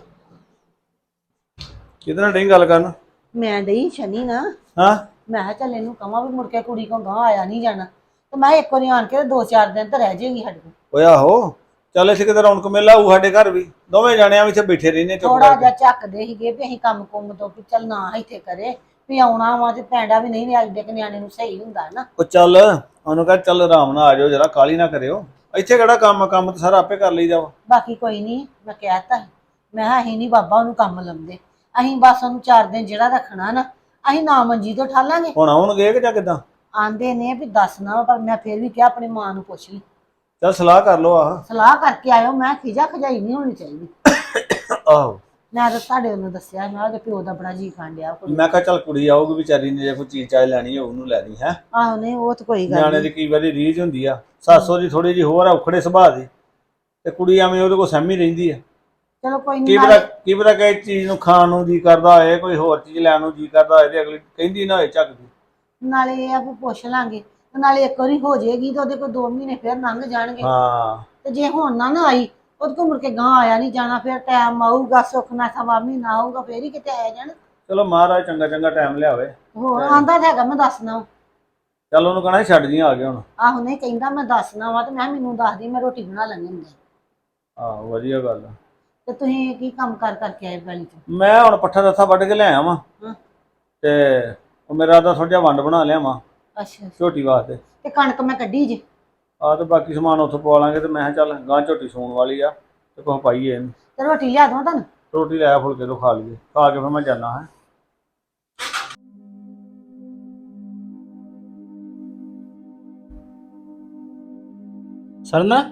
Speaker 3: ਕਿਹਦੇ ਨਾਲ ਨਹੀਂ ਗੱਲ ਕਰਨ?
Speaker 5: ਮੈਂ ਡਈ ਸ਼ਨੀ ਨਾ,
Speaker 3: ਹਾਂ
Speaker 5: ਮੈਂ ਕਿਹਾ ਚੱਲ ਇਹਨੂੰ ਕਵਾਂ ਵੀ ਮੁੜ ਕੇ ਕੁੜੀ ਕੋਲ ਗਾਂ ਆਇਆ ਨਹੀਂ ਜਾਣਾ, ਤੇ ਮੈਂ ਇੱਕ ਵਾਰੀ ਆਣ ਕੇ 2-4 ਦਿਨ ਤਾਂ ਰਹਿ ਜਾਏਗੀ ਸਾਡੇ ਕੋਲ।
Speaker 3: ਓਏ ਆਹੋ, ਚੱਲ ਇੱਥੇ ਕਿਤੇ ਰੌਣਕ ਮੇਲਾ ਹੋਊ ਸਾਡੇ ਘਰ ਵੀ। ਦੋਵੇਂ ਜਾਣਿਆਂ ਇੱਥੇ ਬੈਠੇ ਰਹਿੰਦੇ ਚੁੱਪ
Speaker 5: ਥੋੜਾ ਜਿਹਾ
Speaker 3: ਕਰਕੇ।
Speaker 5: ਝੱਕਦੇ ਸੀਗੇ ਵੀ ਅਸੀਂ ਕੰਮ ਕੁੰਮ ਤੋਂ ਵੀ ਚੱਲ ਨਾ ਇੱਥੇ ਕਰੇ, ਵੀ ਆਉਣਾ ਵਾ ਤੇ ਪੈਂਡਾ ਵੀ ਨਹੀਂ ਅੱਜ ਦੇ ਨਿਆਣੇ ਨੂੰ ਸਹੀ ਹੁੰਦਾ ਨਾ।
Speaker 3: ਉਹ ਚੱਲ ਉਹਨੂੰ ਕਹ ਚੱਲ ਆਰਾਮ ਨਾਲ ਆ ਜਾਓ, ਜਰਾ ਕਾਹਲੀ ਨਾ ਕਰਿਓ। ਇੱਥੇ ਕਿਹੜਾ ਕੰਮ ਤਾਂ ਸਾਰਾ ਆਪੇ ਕਰ ਲਈਦਾ ਵਾ।
Speaker 5: ਬਾਕੀ ਕੋਈ ਨਹੀਂ, ਮੈਂ ਕਹਿਤਾ ਮੈਂ ਕਿਹਾ ਅਸੀਂ ਨਹੀਂ ਬਾਬਾ ਉਹਨੂੰ ਕੰਮ ਲਾਉਂਦੇ, ਅਸੀਂ ਬਸ ਉਹਨੂੰ 4 ਦਿਨ ਜਿਹੜਾ ਰੱਖਣਾ ਨਾ, ਅਸੀਂ ਨਾ ਮੰਜੀ ਤੋਂ ਠਾਲਾਂਗੇ।
Speaker 3: ਹੁਣ ਆਉਣਗੇ ਕਿ ਜਾਂ ਕਿੱਦਾਂ?
Speaker 5: ਆਂਦੇ ਨੇ ਵੀ ਦੱਸਣਾ, ਪਰ ਮੈਂ ਫਿਰ ਵੀ ਕਿਹਾ ਆਪਣੀ ਮਾਂ ਨੂੰ ਪੁੱਛ ਲਈ,
Speaker 3: ਚੱਲ ਸਲਾਹ ਕਰ ਲਓ। ਆਹ
Speaker 5: ਸਲਾਹ ਕਰਕੇ ਆਇਓ। ਮੈਂ ਖਿਜਾ ਖਜਾਈ ਨਹੀਂ ਹੋਣੀ ਚਾਹੀਦੀ।
Speaker 3: ਆਹੋ,
Speaker 5: ਮੈਂ ਤਾਂ ਤੁਹਾਡੇ ਉਹਨੂੰ ਦੱਸਿਆ, ਮੈਂ ਉਹਦੇ ਪਿਓ ਦਾ ਬੜਾ ਜੀ ਖਾਣ ਡਿਆ ਕੁੜੀ।
Speaker 3: ਮੈਂ ਕਿਹਾ ਚੱਲ ਕੁੜੀ ਆਊਗੀ ਵਿਚਾਰੀ ਨੇ, ਜੇ ਕੋਈ ਚੀਜ਼ ਚਾਹ ਲੈਣੀ ਹੋਊ ਉਹਨੂੰ ਲੈ ਦੀ। ਹੈ
Speaker 5: ਆਹੋ ਨਹੀਂ ਉਹ ਤਾਂ ਕੋਈ ਗੱਲ
Speaker 3: ਨਿਆਣੇ ਦੀ
Speaker 5: ਨਹੀਂ।
Speaker 3: ਕਈ ਵਾਰੀ ਰੀਝ ਹੁੰਦੀ ਆ, ਸੱਸੋ ਦੀ ਥੋੜੀ ਜਿਹੀ ਹੋਰ ਆ, ਉਖੜੇ ਸੁਭਾਅ ਦੀ, ਤੇ ਕੁੜੀ ਐਵੇਂ ਉਹਦੇ ਕੋਲ ਸਹਿਮੀ ਰਹਿੰਦੀ ਆ।
Speaker 5: ਚਲੋ ਕੋਈ
Speaker 3: ਕੀ
Speaker 5: ਨਹੀਂ,
Speaker 3: ਪਤਾ ਕੀ ਪਤਾ ਕਿ ਚੀਜ਼ ਨੂੰ ਖਾਣ ਨੂੰ ਜੀ ਕਰਦਾ ਹੋਏ, ਕੋਈ ਹੋਰ ਚੀਜ਼ ਲੈਣ ਨੂੰ ਜੀ ਕਰਦਾ ਹੋਏ, ਤੇ ਅਗਲੀ ਕਹਿੰਦੀ ਨਾ ਹੋਏ ਝੱਕਦੀ।
Speaker 5: ਨਾਲੇ ਇਹ ਆ ਵੀ ਪੁੱਛ ਲਾਂਗੇ, ਤੇ ਨਾਲੇ ਇੱਕ ਵਾਰੀ ਹੋ ਜਾਏਗੀ ਤਾਂ ਉਹਦੇ ਕੋਲ 2 ਮਹੀਨੇ ਫਿਰ ਲੰਘ ਜਾਣਗੇ।
Speaker 3: ਹਾਂ
Speaker 5: ਤੇ ਜੇ ਹੁਣ ਨਾ ਆਈ, ਉਹਦੇ ਕੋਲ ਮੁੜ ਕੇ ਗਾਂ ਆਇਆ ਨਹੀਂ ਜਾਣਾ, ਫਿਰ ਟਾਈਮ ਆਊਗਾ, ਸੁੱਖ ਨਾ ਸਵਾ ਮਹੀਨਾ ਆਊਗਾ, ਫੇਰ ਹੀ ਕਿਤੇ ਆਇਆ ਜਾਣਾ।
Speaker 3: ਚਲੋ ਮਹਾਰਾਜ ਚੰਗਾ ਚੰਗਾ ਟਾਈਮ ਲਿਆਵੇ।
Speaker 5: ਹੋਰ ਆਂਦਾ ਤਾਂ ਹੈਗਾ ਮੈਂ ਦੱਸਣਾ।
Speaker 3: ਚੱਲ ਉਹਨੂੰ ਕਹਣਾ ਛੱਡ ਜੀ ਆ ਗਿਆ ਹੁਣ।
Speaker 5: ਆਹੋ ਨਹੀਂ ਕਹਿੰਦਾ ਮੈਂ ਦੱਸਣਾ ਵਾ, ਤੇ ਮੈਂ ਮੈਨੂੰ ਦੱਸਦੀ, ਮੈਂ ਰੋਟੀ ਬਣਾ ਲੈਣੀ ਹੁੰਦੀ।
Speaker 3: ਆਹੋ ਵਧੀਆ ਗੱਲ ਆ।
Speaker 5: ਤੇ ਤੁਸੀਂ ਕੀ ਕੰਮ ਕਰਕੇ ਆਏ ਗਲੀ ਚ?
Speaker 3: ਮੈਂ ਹੁਣ ਪੱਠਾ ਦੱਥਾ ਵੱਢ ਕੇ ਲਿਆਇਆ ਵਾਂ,
Speaker 5: ਹਾਂ।
Speaker 3: ਤੇ ਉਹ ਮੇਰਾ ਤਾਂ ਥੋੜਾ ਜਿਹਾ ਵੰਡ ਬਣਾ ਲਿਆ ਵਾਂ,
Speaker 5: ਅੱਛਾ
Speaker 6: ਝੋਟੀ ਵਾਸਤੇ।
Speaker 5: ਤੇ ਕਣਕ ਮੈਂ ਕੱਢੀ ਜੇ।
Speaker 6: ਆ ਤੇ ਬਾਕੀ ਸਮਾਨ ਉੱਥੋਂ ਪਵਾ ਲਾਂਗੇ ਤੇ ਮੈਂ ਕਿਹਾ ਚੱਲ ਗਾਂ ਝੋਟੀ ਸੌਣ ਵਾਲੀ ਆ ਤੇ ਕੁਛ ਪਾਈਏ ਇਹਨੂੰ।
Speaker 5: ਤੇ ਰੋਟੀ ਲਿਆ ਦਵਾਂ ਤੁਹਾਨੂੰ?
Speaker 6: ਰੋਟੀ ਲੈ ਆ ਫੁਲਕੇ ਤੋਂ ਖਾ ਲਈਏ, ਖਾ ਕੇ ਫਿਰ ਮੈਂ ਜਾਣਾ ਹੈ। ਸਰਨਾ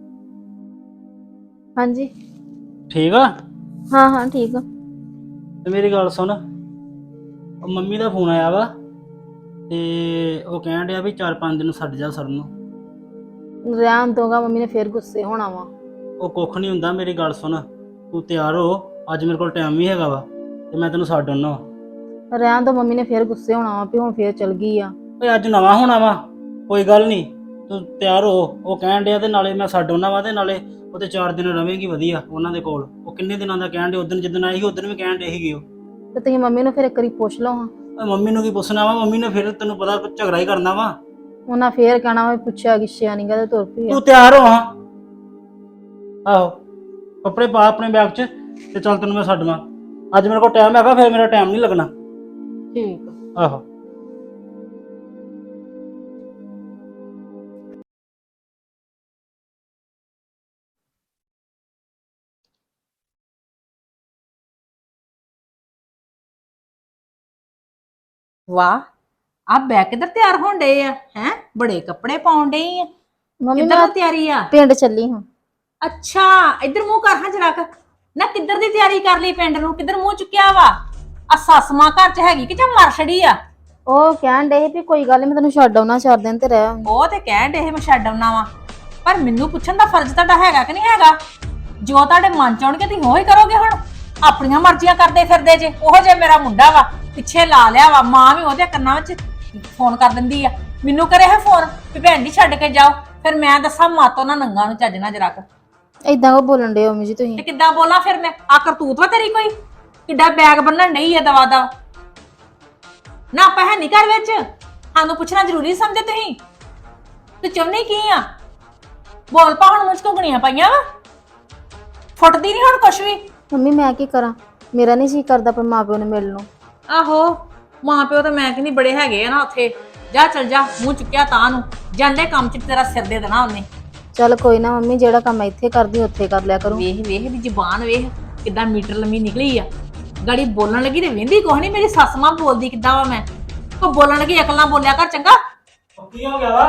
Speaker 7: ਹਾਂਜੀ।
Speaker 6: ਠੀਕ ਆ?
Speaker 7: ਹਾਂ ਹਾਂ ਠੀਕ ਆ।
Speaker 6: ਤੇ ਮੇਰੀ ਗੱਲ ਸੁਣ, ਉਹ ਮੰਮੀ ਦਾ ਫੋਨ ਆਇਆ ਵਾ ਤੇ ਉਹ ਕਹਿਣ ਡਿਆ ਵੀ 4-5 ਦਿਨ ਛੱਡ ਜਾ ਸਰਨ ਨੂੰ।
Speaker 7: ਰਹਿਣ ਦੋਗਾ, ਮੰਮੀ ਨੇ ਫੇਰ ਗੁੱਸੇ ਹੋਣਾ ਵਾ।
Speaker 6: ਉਹ ਕੁੱਖ ਨਹੀਂ ਹੁੰਦਾ, ਮੇਰੀ ਗੱਲ ਸੁਣ, ਤੂੰ ਤਿਆਰ ਹੋ, ਅੱਜ ਮੇਰੇ ਕੋਲ ਟਾਈਮ ਵੀ ਹੈਗਾ ਵਾ ਤੇ ਮੈਂ ਤੈਨੂੰ ਛੱਡ ਆਉਣਾ ਵਾ।
Speaker 7: ਰਹਿਣ ਦੋ, ਮੰਮੀ ਨੇ ਫੇਰ ਗੁੱਸੇ ਹੋਣਾ ਵਾ ਵੀ ਹੁਣ ਫੇਰ ਚਲ ਗਈ ਆ।
Speaker 6: ਓਏ ਅੱਜ ਨਵਾਂ ਹੋਣਾ ਵਾ, ਕੋਈ ਗੱਲ ਨਹੀਂ, ਤੂੰ ਤਿਆਰ ਹੋ। ਉਹ ਕਹਿਣ ਡਿਆ ਤੇ ਨਾਲੇ ਮੈਂ ਛੱਡ ਆਉਣਾ ਵਾ ਤੇ ਨਾਲੇ ਉਹ ਤੇ 4 ਦਿਨ ਰਵੇਂਗੀ ਵਧੀਆ ਉਹਨਾਂ ਦੇ ਕੋਲ। ਉਹ ਕਿੰਨੇ ਦਿਨਾਂ ਦਾ ਕਹਿਣ ਡੇ, ਉਦੋਂ ਜਿੱਦਣ ਆਈ ਸੀ ਉਦੋਂ ਵੀ ਕਹਿਣ ਡੇ ਸੀਗੇ ਉਹ।
Speaker 7: ਤੇ ਤੁਸੀਂ ਮੰਮੀ ਨੂੰ ਫੇਰ ਇੱਕ ਵਾਰੀ ਪੁੱਛ ਲਓ ਹਾਂ।
Speaker 6: ਓਏ ਮੰਮੀ ਨੂੰ ਕੀ ਪੁੱਛਣਾ ਵਾ, ਮੰਮੀ ਨੇ ਫਿਰ ਤੈਨੂੰ ਪਤਾ ਝਗੜਾ ਹੀ ਕਰਨਾ ਵਾ।
Speaker 7: ਉਹਨਾਂ ਫੇਰ ਕਹਿਣਾ ਵਾ ਪੁੱਛਿਆ ਗਿੱਛਿਆ ਨੀਗਾ ਤੇ ਤੁਰ ਪਈ ਆ।
Speaker 6: ਤੂੰ ਤਿਆਰ ਹੋ ਹਾਂ। ਆਹੋ, ਕੱਪੜੇ ਪਾ ਆਪਣੇ ਬੈਗ 'ਚ ਤੇ ਚੱਲ ਤੈਨੂੰ ਮੈਂ ਛੱਡਵਾਂ। ਅੱਜ ਮੇਰੇ ਕੋਲ ਟਾਈਮ ਹੈਗਾ, ਫਿਰ ਮੇਰਾ ਟਾਈਮ ਨਹੀਂ ਲੱਗਣਾ।
Speaker 7: ਠੀਕ ਆ।
Speaker 6: ਆਹੋ।
Speaker 1: ਵਾਹ, ਆ ਬੈ ਕਿੱਧਰ ਤਿਆਰ ਹੋਣ ਡਏ ਆ? ਹੈ ਬੜੇ ਕੱਪੜੇ ਪਾਉਣ ਡਈ ਆ।
Speaker 7: ਮੰਮੀ
Speaker 1: ਕਿੱਧਰ
Speaker 7: ਮੈਂ
Speaker 1: ਦੀ ਤਿਆਰੀ ਆ?
Speaker 7: ਪਿੰਡ ਚੱਲੀ ਹਾਂ।
Speaker 1: ਅੱਛਾ, ਇੱਧਰ ਮੂੰਹ ਕਰ ਹਾਂ ਜਰਾ। ਨਾ ਕਿੱਧਰ ਦੀ ਤਿਆਰੀ ਕਰ ਲਈ ਪਿੰਡ ਨੂੰ? ਕਿੱਧਰ ਮੂੰਹ ਚੁੱਕਿਆ ਵਾ? ਆ ਸੱਸ ਮਾਂ ਘਰ ਚ ਹੈਗੀ ਕਿ ਜਾਂ ਮਰ ਛੜੀ ਆ?
Speaker 7: ਉਹ ਕਹਿਣ ਡੇ ਵੀ ਕੋਈ ਗੱਲ ਨੀ, ਮੈਂ ਤੈਨੂੰ ਛੱਡ ਆਉਣਾ 4 ਦਿਨ ਤੇ ਰਹਿ ਆਉਂਗੀ।
Speaker 1: ਉਹ ਤੇ ਕਹਿਣ ਡੇ ਮੈਂ ਛੱਡ ਆਉਣਾ ਵਾ, ਪਰ ਮੈਨੂੰ ਪੁੱਛਣ ਦਾ ਫਰਜ਼ ਤੁਹਾਡਾ ਹੈਗਾ ਕਿ ਨਹੀਂ ਹੈਗਾ? ਜੋ ਤੁਹਾਡੇ ਮਨ ਚ ਆਉਣਗੇ ਤੁਸੀਂ ਉਹੀ ਕਰੋਗੇ। ਹੁਣ ਆਪਣੀਆਂ ਮਰਜ਼ੀਆਂ ਕਰਦੇ ਫਿਰਦੇ ਜੇ। ਉਹੋ ਜੇ ਮੇਰਾ ਮੁੰਡਾ ਵਾ, ਪਿੱਛੇ ਲਾ ਲਿਆ ਵਾ, ਮਾਂ ਵੀ ਉਹਦੇ ਕੰਨਾਂ ਵਿੱਚ ਫੋਨ ਕਰ ਦਿੰਦੀ ਆ। ਮੈਨੂੰ ਕਰੇ ਹੈ ਫੋਨ ਵੀ ਭੈਣ ਜੀ ਛੱਡ ਕੇ ਜਾਓ, ਫਿਰ ਮੈਂ ਦੱਸਾਂ ਮਾਤੋਂ ਨਾ ਨੰਗਾ ਨੂੰ ਚੱਜ ਨਾ ਜਰਾ।
Speaker 7: ਏਦਾਂ ਕੋ ਬੋਲਣ ਡੇ ਮੰਮੀ ਜੀ
Speaker 1: ਤੇ
Speaker 7: ਤੁਸੀਂ?
Speaker 1: ਕਿੱਦਾਂ ਬੋਲਾਂ ਫਿਰ ਮੈਂ? ਆ ਕਰਤੂਤ ਵਾ ਤੇਰੀ ਕੋਈ? ਕਿੱਡਾ ਬੈਗ ਬੰਨਣ ਨਹੀਂ ਹੈ ਦਵਾ ਦਾ ਨਾ? ਆਪਾਂ ਹੈ ਨਹੀਂ ਘਰ ਵਿੱਚ, ਸਾਨੂੰ ਪੁੱਛਣਾ ਜ਼ਰੂਰੀ ਸਮਝੇ ਤੁਸੀਂ? ਤੂੰ ਚਾਹੁੰਦੀ ਕੀ ਆ? ਬੋਲ ਪਾ ਹੁਣ, ਮੁਝ ਘੁੰਗਣੀਆਂ ਪਾਈਆਂ ਵਾ, ਫੁੱਟਦੀ ਨਹੀਂ ਹੁਣ ਕੁਛ ਵੀ।
Speaker 7: ਮੰਮੀ ਮੈਂ ਕੀ ਕਰਾਂ, ਮੇਰਾ ਨਹੀਂ ਜੀ ਕਰਦਾ ਪਰ ਮਾਂ ਪਿਓ ਨੂੰ ਮਿਲਣ ਨੂੰ।
Speaker 1: ਆਹੋ, ਮਾਂ ਪਿਓ ਤਾਂ ਮੈਂ ਕਹਿੰਦੀ ਬੜੇ ਹੈਗੇ ਆ ਨਾ ਉੱਥੇ। ਜਾ ਚਲ ਜਾ, ਮੂੰਹ ਚੁੱਕਿਆ ਤਾਂ ਨੂੰ ਜਾਂਦੇ ਕੰਮ ਚ ਤੇਰਾ ਸਿਰ ਦੇ ਦੇਣਾ ਉਹਨੇ।
Speaker 7: ਚੱਲ ਕੋਈ ਨਾ ਮੰਮੀ, ਜਿਹੜਾ ਕੰਮ ਇੱਥੇ ਕਰਦੀ ਉੱਥੇ ਕਰ ਲਿਆ ਕਰੂੰ।
Speaker 1: ਵੇਖ ਵੇਖ ਦੀ ਜ਼ੁਬਾਨ ਵੇਖ ਕਿੱਦਾਂ ਮੀਟਰ ਲੰਮੀ ਨਿਕਲੀ ਆ। ਗਾੜੀ ਬੋਲਣ ਲੱਗੀ ਤੇ ਵੇਂਦੀ ਕੁਛ ਨਹੀਂ। ਮੇਰੀ ਸੱਸ ਮਾਂ ਬੋਲਦੀ ਕਿੱਦਾਂ ਵਾ? ਮੈਂ ਕੋ ਬੋਲਣ ਲੱਗੀ ਅਕਲ ਨਾਲ ਬੋਲਿਆ ਕਰ ਚੰਗਾ।
Speaker 6: ਕੀ ਹੋ ਗਿਆ ਵਾ?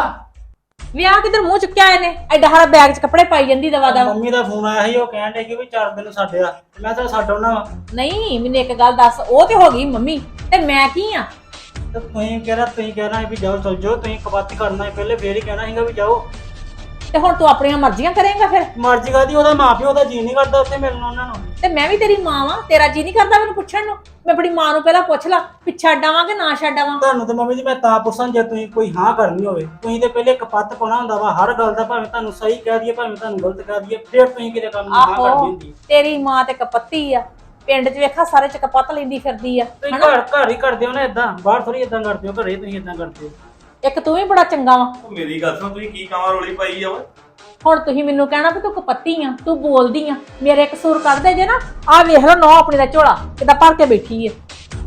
Speaker 1: ਵਿਆਹ ਕਿੱਧਰ ਮੂੰਹ ਚੁੱਕਿਆ ਇਹਨੇ? ਐਡਾ ਸਾਰਾ ਬੈਗ 'ਚ ਕੱਪੜੇ ਪਾਈ ਜਾਂਦੀ ਦਵਾ ਦਾ।
Speaker 6: ਮੰਮੀ ਦਾ ਫੋਨ ਆਇਆ ਸੀ, ਉਹ ਕਹਿਣ ਡੇ ਕਿ ਵੀ 4 ਦਿਨ ਛੱਡਿਆ ਤੇ ਮੈਂ ਤਾਂ ਛੱਡ ਆਉਣਾ ਵਾ।
Speaker 1: ਨਹੀਂ, ਮੈਨੂੰ ਇੱਕ ਗੱਲ ਦੱਸ, ਉਹ ਤੇ ਹੋ ਗਈ ਮੰਮੀ ਤੇ ਮੈਂ ਕੀ ਆ?
Speaker 6: ਤੇ ਤੁਸੀਂ ਕਹਿਣਾ ਵੀ ਜਾਓ ਚਲ ਜਾਓ, ਤੁਸੀਂ ਕਬਾਤੀ ਕਰਨਾ ਸੀ ਪਹਿਲੇ, ਫੇਰ ਹੀ ਕਹਿਣਾ ਸੀਗਾ ਵੀ ਜਾਓ।
Speaker 1: ਤੇ ਹੁਣ ਤੂੰ ਆਪਣੀਆਂ ਮਰਜ਼ੀਆਂ ਕਰੇਂਗਾ ਫਿਰ?
Speaker 6: ਮਰਜ਼ੀ ਕਾਹਦੀ, ਉਹਦਾ ਮਾਂ ਪਿਓ ਦਾ ਜੀ ਨਹੀਂ ਕਰਦਾ ਉੱਥੇ ਮਿਲਣ ਉਹਨਾਂ ਨੂੰ।
Speaker 1: ਤੇ ਮੈਂ ਵੀ ਤੇਰੀ ਮਾਂ ਵਾਂ, ਤੇਰਾ ਜੀ ਨਹੀਂ ਕਰਦਾ ਮੈਨੂੰ ਪੁੱਛਣ ਨੂੰ? ਮੈਂ ਆਪਣੀ ਮਾਂ ਨੂੰ ਪਹਿਲਾਂ ਪੁੱਛ ਲਾ ਵੀ ਛੱਡ ਆਵਾਂ ਕਿ ਨਾ ਛੱਡ ਆਵਾਂ।
Speaker 6: ਤੁਹਾਨੂੰ ਤਾਂ ਮੰਮੀ ਜੀ ਮੈਂ ਤਾਂ ਪੁੱਛਾਂ ਜੇ ਤੁਸੀਂ ਕੋਈ ਹਾਂ ਕਰਨੀ ਹੋਵੇ। ਤੁਸੀਂ ਤੇ ਪਹਿਲੇ ਕਪੱਤ ਪਾਉਣਾ ਹੁੰਦਾ ਵਾ ਹਰ ਗੱਲ ਦਾ, ਭਾਵੇਂ ਤੁਹਾਨੂੰ ਸਹੀ ਕਹਿ ਦਈਏ ਭਾਵੇਂ ਤੁਹਾਨੂੰ ਗਲਤ ਕਹਿ ਦਈਏ, ਫਿਰ ਤੁਸੀਂ ਕਿਤੇ ਕੰਮ ਨੂੰ ਹਾਂ ਕਰਨੀ
Speaker 1: ਆਹੋ,
Speaker 6: ਹੁੰਦੀ।
Speaker 1: ਤੇਰੀ ਮਾਂ ਤੇ ਕਪੱਤੀ ਆ, ਪਿੰਡ 'ਚ ਵੇਖਾ ਸਾਰੇ 'ਚ ਕਪੱਤ ਲੈਂਦੀ ਫਿਰਦੀ ਆ।
Speaker 6: ਤੁਸੀਂ ਘਰ ਹੀ ਕਰਦੇ ਹੋ ਨਾ ਇਦਾਂ, ਬਾਹਰ ਥੋੜੀ ਇਦਾਂ ਕਰਦੇ ਹੋ, ਘਰੇ ਤੁਸੀਂ ਇਦਾਂ ਕਰਦੇ ਹੋ।
Speaker 1: ਇੱਕ ਤੂੰ ਵੀ ਬੜਾ ਚੰਗਾ ਵਾ।
Speaker 3: ਮੇਰੀ ਗੱਲ ਸੁਣ, ਤੁਸੀਂ ਕੀ ਕਾਵਾਂ ਰੋਲੀ ਪਾਈ ਆ ਓਏ?
Speaker 1: ਹੁਣ ਤੁਸੀਂ ਮੈਨੂੰ ਕਹਿਣਾ ਵੀ ਤੂੰ ਕਪੱਤੀ ਆ, ਤੂੰ ਬੋਲਦੀ ਆ। ਮੇਰੇ ਕਸੂਰ ਕੱਢਦੇ ਜੇ ਨਾ, ਆਹ ਵੇਖ ਲਓ ਨੌ ਆਪਣੀ ਦਾ ਝੋਲਾ ਕਿੱਦਾਂ ਭਰ ਕੇ ਬੈਠੀ ਆ।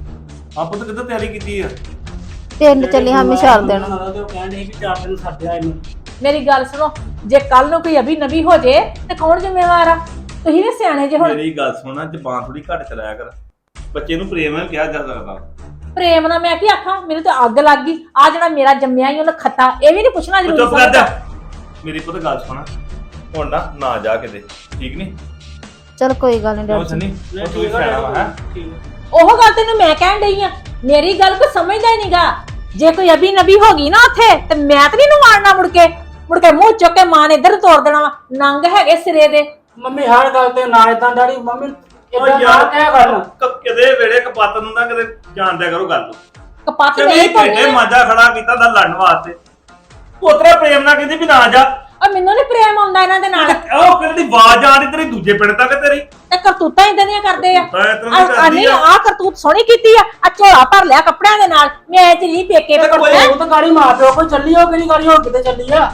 Speaker 3: ਆਪਾਂ ਤਾਂ ਕਿੱਦਾਂ ਤਿਆਰੀ ਕੀਤੀ ਆ?
Speaker 7: ਪਿੰਡ ਚੱਲੀ ਹਾਂ ਮੈਂ 4 ਦਿਨ।
Speaker 6: ਉਹ ਕਹਿੰਦੇ ਸੀ ਵੀ 4 ਦਿਨ ਛੱਡਿਆ ਇਹਨੂੰ।
Speaker 1: ਮੇਰੀ ਗੱਲ ਸੁਣੋ, ਜੇ ਕੱਲ ਨੂੰ ਕੋਈ ਅਭੀ ਨਵੀ ਹੋ ਜੇ ਤੇ ਕੌਣ ਜ਼ਿੰਮੇਵਾਰ ਆ? ਤੁਸੀਂ ਵੀ ਸਿਆਣੇ ਜੇ। ਹੁਣ
Speaker 3: ਮੇਰੀ ਗੱਲ ਸੁਣਾ, ਜ਼ਬਾਨ ਥੋੜੀ ਘੱਟ ਚਲਾਇਆ ਕਰ। ਬੱਚੇ ਨੂੰ ਪ੍ਰੇਮ ਨਾਲ ਕਿਹਾ ਜਾ ਸਕਦਾ।
Speaker 1: ਪ੍ਰੇਮ ਨਾਲ ਮੈਂ ਕੀ ਆਖਾਂ? ਮੈਨੂੰ ਤਾਂ ਅੱਗ ਲੱਗ ਗਈ। ਆ ਜਿਹੜਾ ਮੇਰਾ ਜੰਮਿਆ ਹੀ ਉਹਨੇ ਖੱਤਾ, ਇਹ ਵੀ ਨਹੀਂ ਪੁੱਛਣਾ ਜ਼ਰੂਰੀ
Speaker 3: ਚੁੱਪ ਕਰ
Speaker 1: ਸਮਝਦਾ।
Speaker 3: ਜਾ। ਮੇਰੀ ਪੁੱਤ ਗੱਲ ਸੁਣਾ, ਹੁਣ ਨਾ ਜਾ ਕਿਤੇ, ਠੀਕ ਨਹੀਂ?
Speaker 7: ਚੱਲ ਕੋਈ ਗੱਲ ਨਹੀਂ
Speaker 3: ਕਿਉਂ
Speaker 7: ਡੈਡੀ
Speaker 3: ਸਨੀ?
Speaker 7: ਜੀ।
Speaker 3: ਉਹ ਤੂੰ ਵੀ ਸਿਆਣਾ ਵਾ ਹੈ।
Speaker 1: ਉਹ ਗੱਲ ਤੈਨੂੰ ਮੈਂ ਕਹਿਣ ਡਈ ਆ, ਮੇਰੀ ਗੱਲ ਕੋਈ ਸਮਝਦਾ ਹੀ ਨਹੀਂਗਾ। ਜੇ ਕੋਈ ਅਭੀ ਨਬੀ ਹੋ ਗਈ ਨਾ ਉੱਥੇ ਤੇ ਮੈਂ ਤਾਂ ਨਹੀਂ ਨੂੰ ਮਾਰਨਾ ਮੁੜ ਕੇ ਮੂੰਹ ਚੁੱਕ ਕੇ ਮਾਂ ਨੇ ਇੱਧਰ ਤੋੜ ਦੇਣਾ ਵਾ। ਨੰਗ ਹੈਗੇ ਸਿਰੇ ਦੇ।
Speaker 6: ਮੰਮੀ ਹਰ ਗੱਲ ਤੇ ਨਾ ਇਦਾਂ ਡੈਡੀ, ਮੰਮੀ
Speaker 3: ਉਹ
Speaker 6: ਇਦਾਂ
Speaker 3: ਯਾਰ
Speaker 6: ਨਾ ਕਹਿ ਕਰ।
Speaker 3: ਕਿਤੇ ਵੇੜੇ ਕਪੱਤ ਨੂੰ ਨਾ ਕਿਤੇ ਜਾਣਦਿਆ ਕਰੋ ਗੱਲ ਨੂੰ।
Speaker 1: ਕਪੱਤ
Speaker 3: ਤੇ
Speaker 1: ਨਹੀਂ
Speaker 3: ਘੰਟੇ
Speaker 1: ਪਾਉਣੀ।
Speaker 3: ਮਾਂਜਾ ਖੜਾ ਕੀਤਾ ਦਾ ਲੜਨ ਵਾਸਤੇ। ਉਤਰਾ ਪ੍ਰੇਮ ਨਾਲ ਕਹਿੰਦੀ ਵੀ ਨਾ ਜਾ।
Speaker 1: ਆ ਮੈਨੂੰ ਨੀ ਪ੍ਰੇਮ ਆਉਂਦਾ ਇਹਨਾਂ ਦੇ ਨਾਲ।
Speaker 3: ਉਹ ਕਿਹੜੀ ਆਵਾਜ਼ ਆ ਰਹੀ ਤੇਰੀ ਦੂਜੇ ਪਿੰਡ ਤੱਕ ਤੇਰੀ।
Speaker 1: ਤੇ ਕਰਤੂਤਾਂ ਇਦਾਂ ਦੀਆਂ ਕਰਦੇ ਆ।
Speaker 3: ਤਾਂ ਇਸ ਤਰ੍ਹਾਂ ਦੀ ਕਰਦੀ
Speaker 1: ਨਹੀਂ,
Speaker 3: ਆ।
Speaker 1: ਆ ਕਰਤੂਤ ਸੋਹਣੀ ਕੀਤੀ ਆ। ਆ ਝੋਲਾ ਭਰ ਲਿਆ ਕੱਪੜਿਆਂ ਦੇ ਨਾਲ। ਮੈਂ ਚਲੀ ਪੇਕੇ
Speaker 6: ਤੇ ਕੋਈ ਉਹ ਤਾਂ ਗਾੜੀ ਮਾਂ ਪਿਓ ਕੋਈ ਚੱਲੀ ਹੋ, ਕਿਹੜੀ ਗਾੜੀ ਹੋ ਕਿਤੇ ਚੱਲੀ ਆ?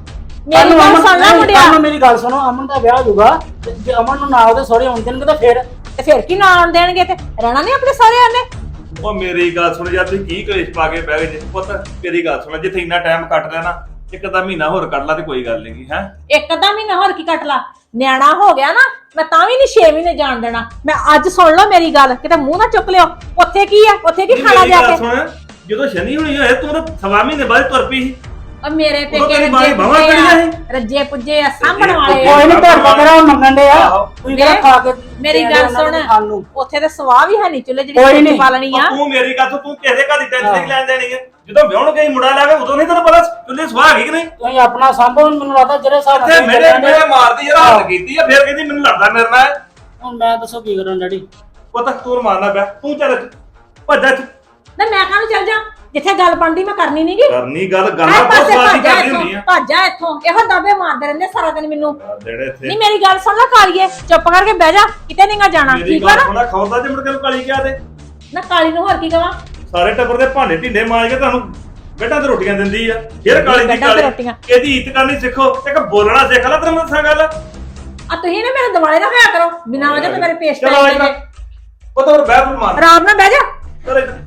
Speaker 1: ਮੇਰੀ ਗੱਲ ਸੁਣ ਲੈ ਮੁੰਡਿਆ।
Speaker 6: ਕੱਲ੍ਹ ਨੂੰ ਮੇਰੀ ਗੱਲ ਸੁਣੋ, ਅਮਨ ਦਾ ਵਿਆਹ ਹੋ ਜਾਊਗਾ ਤੇ ਜੇ ਅਮਨ ਨੂੰ ਨਾ ਉਹਦੇ ਸਹੁਰੇ ਆਉਣ ਦੇਣਗੇ ਤਾਂ ਫਿਰ
Speaker 1: ਤੇ ਫਿਰ ਕੀ ਨਾ ਆਉਣ ਦੇਣਗੇ? ਤੇ ਰਹਿਣਾ ਨਹੀਂ ਆਪਣੇ ਸਾਰਿਆਂ ਨੇ।
Speaker 3: ਉਹ ਮੇਰੀ ਗੱਲ ਸੁਣ ਯਾਰ, ਤੁਸੀਂ ਕੀ ਕਲੇਸ਼ ਪਾ ਕੇ ਬਹਿ ਗਏ ਜੀ ਪੁੱਤ? ਮੇਰੀ ਗੱਲ ਸੁਣ, ਜਿੱਥੇ ਇੰਨਾ ਟਾਈਮ ਕੱਟ ਲਿਆ ਨਾ, ਇੱਕ ਅੱਧਾ ਮਹੀਨਾ ਹੋਰ ਕੱਢ ਲਾ ਤੇ ਕੋਈ ਗੱਲ ਨਹੀਂ ਹੈ।
Speaker 1: ਇੱਕ ਅੱਧਾ ਮਹੀਨਾ ਹੋਰ ਕੀ ਕੱਟ ਲਾ, ਨਿਆਣਾ ਹੋ ਗਿਆ ਨਾ, ਮੈਂ ਤਾਂ ਵੀ ਨਹੀਂ 6 ਮਹੀਨੇ ਜਾਣ ਦੇਣਾ। ਮੈਂ ਅੱਜ ਸੁਣ ਲਓ ਮੇਰੀ ਗੱਲ, ਕਿਤੇ ਮੂੰਹ ਨਾ ਚੁੱਕ ਲਿਓ। ਉੱਥੇ ਕੀ ਆ, ਉੱਥੇ ਕੀ ਖਾਣਾ ਜਾ ਕੇ?
Speaker 3: ਸੁਣ, ਜਦੋਂ ਸ਼ਨੀ ਹੋਣੀ ਹੋਏ ਤੂੰ ਤਾਂ ਸਵਾ ਮਹੀਨੇ ਬਾਅਦ ਤੁਰ ਪਈ ਸੀ।
Speaker 1: ਉਹ ਮੇਰੇ
Speaker 3: ਉਦੋਂ
Speaker 1: ਪੇਕੇ
Speaker 3: ਤੇਰੀ ਮਾਂ ਦੀ ਬਾਹਾਂ
Speaker 1: ਰੱਜੇ
Speaker 3: ਕੜੀਆਂ ਸੀ।
Speaker 1: ਪੁੱਜੇ ਆ, ਰੱਜੇ ਪੁੱਜੇ ਆ, ਸਾਂਭਣ ਵਾਲੇ ਆ।
Speaker 6: ਕੋਈ ਨਹੀਂ ਤੁਹਾਡਾ ਮੇਰਾ ਮੰਗਣ ਦੇ ਆ
Speaker 3: ਆਹੋ।
Speaker 6: ਤੁਸੀਂ ਕਿਹੜਾ ਖਾ ਕੇ
Speaker 1: ਮੇਰੀ
Speaker 6: ਦੇਣ
Speaker 1: ਗੱਲ
Speaker 6: ਉਹਨਾਂ ਨੂੰ
Speaker 1: ਸੁਣ।
Speaker 6: ਖਾਣ ਨੂੰ।
Speaker 1: ਉੱਥੇ ਤੇ ਸਵਾਹ ਵੀ ਹੈ ਨਹੀਂ ਚੁੱਲ੍ਹੇ
Speaker 6: ਕੋਈ
Speaker 1: ਜਿਹੜੀ
Speaker 6: ਨੀ।
Speaker 1: ਰੋਟੀ ਪਾਲਣੀ ਆ।
Speaker 3: ਤੂੰ ਮੇਰੀ ਗੱਲ ਸੁਣ, ਤੂੰ ਕਿਸੇ ਘਰ ਦੀ ਟੈਨਸ਼ਨ ਨਹੀਂ ਲੈਣ ਦੇਣੀ ਹੈ। ਜਦੋਂ ਵਿਆਹਣ ਗਈ ਮੁੰਡਾ ਲੈ ਕੇ ਉਦੋਂ ਨਹੀਂ ਤੈਨੂੰ ਪਤਾ ਚੁੱਲ੍ਹੇ ਸਵਾਹ ਹੈਗੀ ਕਿ ਨਹੀਂ?
Speaker 6: ਤੁਸੀਂ ਆਪਣਾ ਸੰਭੋ, ਮੈਨੂੰ ਲੱਗਦਾ ਜਿਹੜੇ ਹਿਸਾਬ
Speaker 3: ਤੇ ਮੇਰੇ ਮਾਰਦੀ ਯਾਰ, ਹੱਥ ਕੀਤੀ ਆ, ਫਿਰ ਕਹਿੰਦੀ ਮੈਨੂੰ ਲੜਦਾ ਮੇਰੇ ਨਾਲ।
Speaker 6: ਹੁਣ ਮੈਂ ਦੱਸੋ ਕੀ ਕਰਾਂ ਡੈਡੀ?
Speaker 3: ਪੁੱਤ ਤੂੰ ਮਾਰਨਾ ਪਿਆ, ਤੂੰ ਚੱਲ ਭੱਜਾ
Speaker 1: ਨਾ ਮੈਂ ਕਾਹਨੂੰ ਚੱਲ ਜਾ, ਜਿੱਥੇ ਗੱਲ ਬਣਦੀ ਮੈਂ ਕਰਨੀ ਨਹੀਂਗੀ।
Speaker 3: ਕਰਨੀ ਗੱਲ ਗੱਲਾਂ ਬਹੁਤ ਸਵਾਦੀ ਕਰਦੀ ਹੁੰਦੀ ਆ।
Speaker 1: ਭੱਜਾ ਇੱਥੋਂ, ਇਹੋ ਦਾਬੇ ਮਾਰਦੇ ਰਹਿੰਦੇ ਸਾਰਾ ਦਿਨ ਮੈਨੂੰ।
Speaker 3: ਜਿਹੜੇ ਇੱਥੇ
Speaker 1: ਨਹੀਂ ਮੇਰੀ ਗੱਲ ਸੁਣ ਲੈ ਕਾਲੀਏ, ਚੁੱਪ ਕਰਕੇ ਬਹਿ ਜਾ, ਕਿਤੇ ਨਹੀਂਗਾ ਜਾਣਾ,
Speaker 3: ਮੇਰੀ
Speaker 1: ਠੀਕ ਆ
Speaker 3: ਗੱਲ
Speaker 1: ਨਾ?
Speaker 3: ਸੁਣਾ, ਖੌਦਾ ਜੇ ਮੁੜ ਕੇ ਕਾਲੀ ਕਿਹਾ ਤੇ
Speaker 1: ਨਾ ਕਾਲੀ ਨੂੰ ਹੋਰ ਕੀ ਕਵਾਂ?
Speaker 3: ਸਾਰੇ ਟੱਬਰ ਦੇ ਭਾਂਡੇ ਢਿੰਡੇ ਮਾਂਜ ਕੇ ਤੁਹਾਨੂੰ ਬੇਟਾ ਤੇ ਰੋਟੀਆਂ ਦਿੰਦੀ ਆ, ਫਿਰ ਕਾਲੀ ਦੀ
Speaker 1: ਬੈਠਾਂ ਤੇ
Speaker 3: ਕਾਲੀ।
Speaker 1: ਰੋਟੀਆਂ।
Speaker 3: ਇਹਦੀ ਇੱਜ਼ਤ ਕਰਨੀ ਸਿੱਖੋ, ਇੱਕ ਬੋਲਣਾ ਸਿੱਖ ਲੈ। ਤੈਨੂੰ ਮੈਂ ਦੱਸਾਂ ਗੱਲ,
Speaker 1: ਆ ਤੁਸੀਂ ਨਾ ਮੇਰੇ ਦਿਵਾਲੇ ਨਾ ਹੋਇਆ ਕਰੋ, ਬਿਨਾਂ ਵਜ੍ਹਾ ਤੇ ਮੇਰੇ ਪੇਸ਼
Speaker 3: ਚਲੋ
Speaker 1: ਪੈ
Speaker 3: ਅੱਜ
Speaker 1: ਜਾਂਦੇ।
Speaker 3: ਪੁੱਤ ਹੋਰ ਬਹਿ ਫਿਰ ਮਾਰ
Speaker 1: ਆਰਾਮ ਨਾਲ ਬਹਿ ਜਾ।
Speaker 3: ਚਲ ਇੱਧਰ।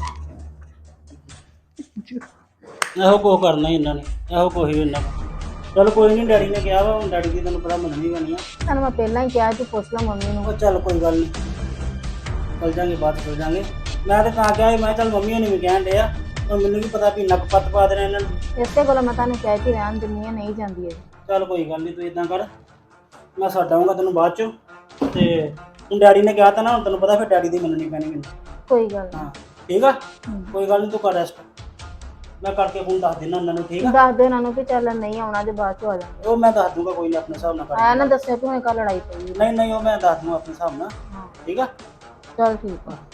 Speaker 6: ਇਹੋ ਕੁਛ ਕਰਨਾ ਹੀ ਇਹਨਾਂ ਨੇ, ਇਹੋ ਕੁਛ ਹੀ ਇਹਨਾਂ ਦਾ। ਚਲ ਕੋਈ ਨਹੀਂ, ਡੈਡੀ ਨੇ ਕਿਹਾ ਵਾ, ਹੁਣ ਡੈਡੀ ਦੀ ਤੁਹਾਨੂੰ ਪਤਾ ਮੰਨਣੀ ਪੈਣੀ ਆ।
Speaker 7: ਤੁਹਾਨੂੰ ਮੈਂ ਪਹਿਲਾਂ ਹੀ ਕਿਹਾ ਤੂੰ ਪੁੱਛ ਲਾ ਮੰਮੀ ਨੂੰ।
Speaker 6: ਉਹ ਚੱਲ ਕੋਈ ਗੱਲ ਨਹੀਂ, ਚੱਲ ਜਾਂਗੇ ਬਾਅਦ ਚੱਲ ਜਾਂਗੇ। ਮੈਂ ਤਾਂ ਤਾਂ ਕਿਹਾ ਸੀ, ਮੈਂ ਚੱਲ ਮੰਮੀ ਹੋਣੀ ਵੀ ਕਹਿਣ ਡੇ ਆ, ਪਰ ਮੈਨੂੰ ਕੀ ਪਤਾ ਵੀ ਨੱਕ ਪੱਤ ਪਾ ਦੇਣਾ ਇਹਨਾਂ ਨੂੰ।
Speaker 7: ਇਸੇ ਕੋਲ ਮੈਂ ਤੁਹਾਨੂੰ ਕਹਿ ਕੇ ਰਹਿਣ ਦਿੰਨੀ ਆ, ਨਹੀਂ ਜਾਂਦੀ ਇਹ।
Speaker 6: ਚੱਲ ਕੋਈ ਗੱਲ ਨਹੀਂ, ਤੂੰ ਇਦਾਂ ਕਰ, ਮੈਂ ਛੱਡ ਆਊਂਗਾ ਤੈਨੂੰ ਬਾਅਦ ਚੋਂ। ਤੇ ਹੁਣ ਡੈਡੀ ਨੇ ਕਿਹਾ ਤਾਂ ਨਾ, ਹੁਣ ਤੈਨੂੰ ਪਤਾ ਫਿਰ ਡੈਡੀ ਦੀ ਮੰਨਣੀ ਪੈਣੀ ਮੈਨੂੰ।
Speaker 7: ਕੋਈ ਗੱਲ
Speaker 6: ਹਾਂ ਠੀਕ ਆ, ਕੋਈ ਗੱਲ ਨਹੀਂ, ਤੂੰ ਕਰ ਰੈਸਟ, ਮੈਂ ਕਰਕੇ ਫੋਨ ਦੱਸ ਦੇਣਾ ਉਹਨਾਂ ਨੂੰ, ਠੀਕ
Speaker 7: ਨਹੀਂ।
Speaker 6: ਆ?
Speaker 7: ਦੱਸ ਦੇ ਉਹਨਾਂ ਨੂੰ ਕਿ ਚੱਲ ਨਹੀਂ ਆਉਣਾ, ਜੇ ਬਾਅਦ ਚ ਆ ਜਾਵਾਂਗੇ।
Speaker 6: ਉਹ ਮੈਂ ਦੱਸ ਦੂੰਗਾ, ਕੋਈ ਨਹੀਂ, ਆਪਣੇ ਹਿਸਾਬ ਨਾਲ ਕਰ
Speaker 7: ਆਇਆ ਨਾ ਦੱਸਿਆ ਕਿ ਹੁਣ ਕੱਲ ਲੜਾਈ ਪਈ।
Speaker 6: ਨਹੀਂ ਨਹੀਂ, ਉਹ ਮੈਂ ਦੱਸ ਦੂੰਗਾ ਆਪਣੇ ਹਿਸਾਬ ਨਾਲ, ਠੀਕ ਆ?
Speaker 7: ਚੱਲ ਠੀਕ ਆ।